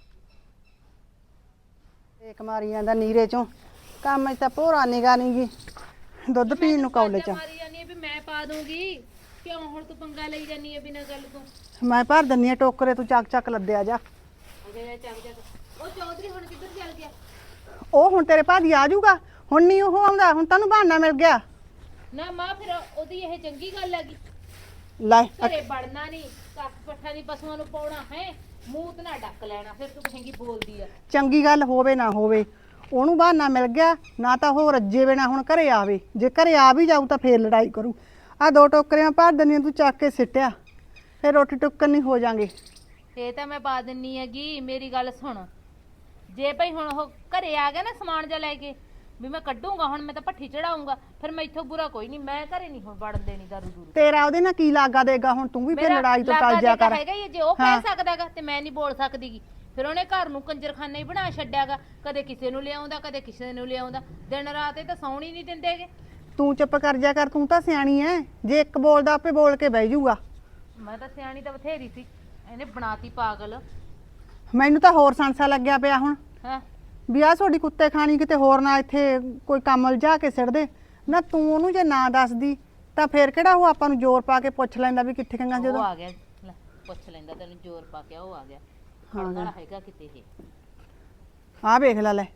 [SPEAKER 3] ਇੱਕ ਮਾਰੀ ਜਾਂਦਾ ਨੀਰੇ ਚੋਂ ਕੰਮ 'ਚ ਤਾਂ ਭੋਰਾ ਨਿਗਾ ਨੀ ਗੀ ਦੁੱਧ ਪੀਣ ਨੂੰ ਕੌਲੇ ਚ
[SPEAKER 4] ਮਾਰੀ ਜਾਨੀ ਹੈ ਵੀ ਮੈਂ ਪਾ ਦੂੰਗੀ ਕਿਉਂ ਹੁਣ ਤੂੰ ਪੰਗਾ ਲਈ ਜਾਨੀ ਹੈ ਬਿਨਾਂ ਗੱਲ ਤੋਂ
[SPEAKER 3] ਮੈਂ ਭਰ ਦਿੰਨੀ ਆ ਟੋਕਰੇ ਤੂੰ ਚੱਕ ਚੱਕ ਲੱਦਿਆ ਜਾ
[SPEAKER 4] ਅਗੇ ਚੱਲ ਜਾ ਉਹ ਚੌਧਰੀ ਹੁਣ ਕਿੱਧਰ ਚੱਲ ਗਿਆ
[SPEAKER 3] ਉਹ ਹੁਣ ਤੇਰੇ ਭਾਜੀ ਆ ਜਾਊਗਾ ਹੁਣ ਨਹੀਂ ਉਹ ਆਉਂਦਾ ਹੁਣ ਤੈਨੂੰ ਬਹਾਨਾ ਮਿਲ ਗਿਆ
[SPEAKER 4] ਨਾ ਮਾਂ ਫਿਰ ਉਹਦੀ ਇਹ ਚੰਗੀ ਗੱਲ ਹੈਗੀ
[SPEAKER 3] ਲੈ
[SPEAKER 4] ਘਰੇ ਵੜਨਾ ਨਹੀਂ ਕੱਖ ਪੱਠਾ ਨਹੀਂ ਪਸ਼ੂਆਂ ਨੂੰ ਪਾਉਣਾ ਹੈ ਮੂੰਹ ਤੇ ਨਾ ਡੱਕ ਲੈਣਾ ਫਿਰ ਤੂੰ ਕਹੇਂਗੀ ਬੋਲਦੀ ਆ
[SPEAKER 3] ਚੰਗੀ ਗੱਲ ਹੋਵੇ ਨਾ ਹੋਵੇ ਉਹਨੂੰ ਬਹਾਨਾ ਮਿਲ ਗਿਆ ਨਾ ਤਾਂ ਉਹ ਰੱਜੇ ਬਿਨਾ ਹੁਣ ਘਰੇ ਆਵੇ ਜੇ ਘਰੇ ਆ ਵੀ ਜਾਊ ਤਾਂ ਫੇਰ ਲੜਾਈ ਕਰੂ ਆ ਦੋ ਟੋਕਰੀਆਂ ਭਰ ਦਿੰਦੀਆਂ ਤੂੰ ਚੱਕ ਕੇ ਸਿੱਟਿਆ ਫੇਰ ਰੋਟੀ ਟੁੱਕਣ ਨਹੀਂ ਹੋ ਜਾਾਂਗੇ
[SPEAKER 4] ਇਹ ਤਾਂ ਮੈਂ ਪਾ ਦਿੰਨੀ ਹੈਗੀ ਮੇਰੀ ਗੱਲ ਸੁਣ ਜੇ ਭਾਈ ਹੁਣ ਉਹ ਘਰੇ ਆ ਗਿਆ ਨਾ ਸਮਾਨ ਜਾ ਲੈ ਕੇ ਵੀ ਮੈਂ ਕੱਢੂੰਗਾ ਹੁਣ ਮੈਂ ਤਾਂ ਭੱਠੀ ਚੜਾਉਂਗਾ ਫਿਰ ਮੈਂ ਇੱਥੋਂ ਬੁਰਾ ਕੋਈ ਨਹੀਂ ਮੈਂ ਘਰੇ ਨਹੀਂ ਹੁਣ ਵੜਨ ਦੇਣੀ ਦਾਰੂ ਦੂਰੂ
[SPEAKER 3] ਤੇਰਾ ਉਹਦੇ ਨਾਲ ਕੀ ਲਾਗਾ ਦੇਗਾ ਹੁਣ ਤੂੰ ਵੀ ਫੇਰ
[SPEAKER 4] ਮੇਰਾ
[SPEAKER 3] ਲੜਾਈ ਤੋਂ
[SPEAKER 4] ਲਾਗਾ
[SPEAKER 3] ਟਲ ਜਾ
[SPEAKER 4] ਦੇਗਾ
[SPEAKER 3] ਕਰ
[SPEAKER 4] ਹੈਗਾ ਹੀ ਹੈ, ਜੇ ਉਹ ਕਹਿ ਸਕਦਾਗਾ ਤੇ ਮੈਂ ਨਹੀਂ ਬੋਲ ਸਕਦੀਗੀ ਫਿਰ ਉਹਨੇ ਘਰ ਨੂੰ ਕੰਜਰਖਾਨਾ ਹੀ ਬਣਾ ਛੱਡਿਆਗਾ ਕਦੇ ਕਿਸੇ ਨੂੰ ਲਿਆਉਂਦਾ ਕਦੇ ਕਿਸੇ ਨੂੰ ਲਿਆਉਂਦਾ ਦਿਨ ਰਾਤ ਇਹ ਤਾਂ ਸੌਣ ਹੀ ਨਹੀਂ ਦਿੰਦੇਗੇ
[SPEAKER 3] ਤੂੰ ਚੁੱਪ ਕਰ ਜਾ ਕਰ ਤੂੰ ਤਾਂ ਸਿਆਣੀ ਐ ਜੇ ਇੱਕ ਬੋਲਦਾ ਆਪੇ ਬੋਲ ਕੇ ਬਹਿ ਜਾਊਗਾ
[SPEAKER 4] ਮੈਂ ਤਾਂ ਸਿਆਣੀ ਤਾਂ ਬਥੇਰੀ ਸੀ ਇਹਨੇ ਬਣਾਤੀ ਪਾਗਲ
[SPEAKER 3] ਮੈਨੂੰ ਤਾਂ ਹੋਰ ਸੰਸਾ ਲੱਗਿਆ ਪਿਆ ਹੁਣ
[SPEAKER 4] ਹੈ
[SPEAKER 3] ਵੀ ਆਹ ਤੁਹਾਡੀ ਕੁੱਤੇ ਖਾਣੀ ਕਿਤੇ ਹੋਰ ਨਾ ਇੱਥੇ ਕੋਈ ਕੰਮ ਲਿਜਾ ਕੇ ਸਿੱਟ ਦੇ ਨਾ ਤੂੰ ਉਹਨੂੰ ਜੇ ਨਾ ਦੱਸਦੀ ਤਾਂ ਫੇਰ ਕਿਹੜਾ ਉਹ ਆਪਾਂ ਨੂੰ ਜ਼ੋਰ ਪਾ ਕੇ ਪੁੱਛ ਲੈਂਦਾ ਵੀ ਕਿੱਥੇ ਗੰਗਾ
[SPEAKER 4] ਉਹ
[SPEAKER 3] ਜਦੋਂ
[SPEAKER 4] ਆ ਗਿਆ ਲੈ ਪੁੱਛ ਲੈਂਦਾ ਤੈਨੂੰ ਜ਼ੋਰ ਪਾ ਕੇ ਉਹ ਆ ਗਿਆ ਖੜਨ ਵਾਲਾ ਹੈਗਾ ਕਿਤੇ ਇਹ
[SPEAKER 3] ਆਹ ਵੇਖ ਲੈ ਲੈ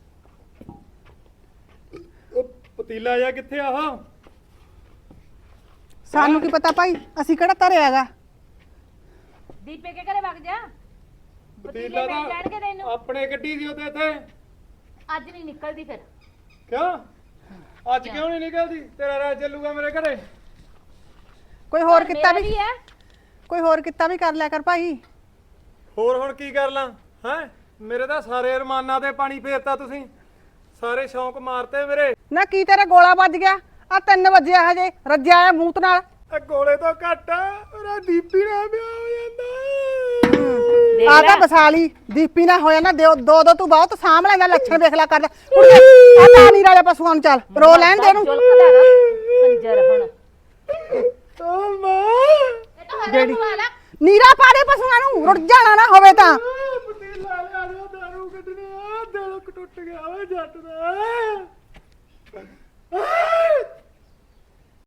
[SPEAKER 2] ਉਹ ਪਤੀਲਾ ਜਾਂ ਕਿੱਥੇ ਆ ਆਹ
[SPEAKER 3] ਸਾਨੂੰ ਕੀ ਪਤਾ ਭਾਈ ਅਸੀਂ ਕਿਹੜਾ ਧਰਿਆ ਹੈਗਾ
[SPEAKER 4] ਦੀਪੇ ਕੇ ਘਰੇ ਵਗ ਜਾ
[SPEAKER 2] ਪਤੀਲਾ
[SPEAKER 4] ਮਿਲ ਜਾਣਗੇ
[SPEAKER 2] ਤਾਂ
[SPEAKER 4] ਤੈਨੂੰ
[SPEAKER 2] ਆਪਣੇ ਗੱਡੀ ਦੀ ਉਹਦੇ ਇੱਥੇ
[SPEAKER 4] ਅੱਜ ਨਹੀਂ ਨਿਕਲਦੀ ਫਿਰ
[SPEAKER 2] ਕਿਉਂ ਅੱਜ ਕਿਉਂ ਨਹੀਂ ਨਿਕਲਦੀ ਤੇਰਾ ਰਾਜ ਚੱਲੂਗਾ ਮੇਰੇ ਘਰੇ
[SPEAKER 3] ਕੋਈ ਹੋਰ
[SPEAKER 4] ਘਰ
[SPEAKER 3] ਕਿੱਤਾ
[SPEAKER 4] ਮੇਰਾ
[SPEAKER 3] ਵੀ
[SPEAKER 4] ਹੈ
[SPEAKER 3] ਕੋਈ ਹੋਰ ਕਿੱਤਾ ਵੀ ਕਰ ਲਿਆ ਕਰ ਭਾਈ।
[SPEAKER 2] ਹੋਰ ਹੁਣ ਕੀ ਕਰ ਲਾਂ ਹੈ? ਮੇਰੇ ਤਾਂ ਸਾਰੇ ਅਰਮਾਨਾਂ ਤੇ ਪਾਣੀ ਫੇਰਤਾ ਤੁਸੀਂ, ਸਾਰੇ ਸ਼ੌਂਕ ਮਾਰਤੇ ਮੇਰੇ।
[SPEAKER 3] ਨਾ ਕੀ ਤੇਰਾ ਗੋਲਾ ਵੱਜ ਗਿਆ? ਆ ਤਿੰਨ ਵਜੇ ਹਜੇ ਰੱਜਿਆ ਆ ਮੂਤ ਨਾਲ।
[SPEAKER 2] ਇਹ ਗੋਲੇ ਤੋਂ ਘੱਟ ਮੇਰਾ ਦੀਪੀ ਨਾਲ ਵਿਆਹ ਹੋ ਜਾਂਦਾ।
[SPEAKER 4] ਦੇਖ
[SPEAKER 3] ਆ
[SPEAKER 4] ਲੈ।
[SPEAKER 3] ਤਾਂ ਬਸਾਲੀ ਦੀਪੀ ਨਾ ਹੋਇਆ ਨਾ ਦੋ ਦੋ ਦੋ ਤੂੰ ਬਹੁਤ ਸਾਂਭ ਲੈਂਦਾ, ਲੱਛਣ ਵੇਖ ਲੈ ਕਰਦਾ। ਕੁੜੀਏ ਆ ਪਾਣੀ ਵਾਲੇ ਪਸ਼ੂਆਂ ਨੂੰ ਚੱਲ ਰੋ ਲੈਣ ਦੇ ਇਹਨੂੰ।
[SPEAKER 4] ਜੁਲਕਦਾ ਨਾ ਕੰਜਰ ਹੁਣ
[SPEAKER 2] ਓ ਮਾਂ
[SPEAKER 4] ਇਹ ਤਾਂ ਹਰੇ
[SPEAKER 3] ਜਿਹੜੀ-
[SPEAKER 4] ਪਵਾ ਲੈ
[SPEAKER 3] ਨੀਰਾ ਪਾ ਦੇ ਪਸ਼ੂਆਂ ਨੂੰ, ਰੁੜ ਜਾਣਾ ਨਾ ਹੋਵੇ ਤਾਂ।
[SPEAKER 2] ਪਤੀਲਾ ਲਿਆ ਦੋ, ਦਾਰੂ ਕੱਢਣੀ ਆ, ਦਿਲ ਟੁੱਟ ਗਿਆ ਓਏ ਜੱਟ ਦਾ।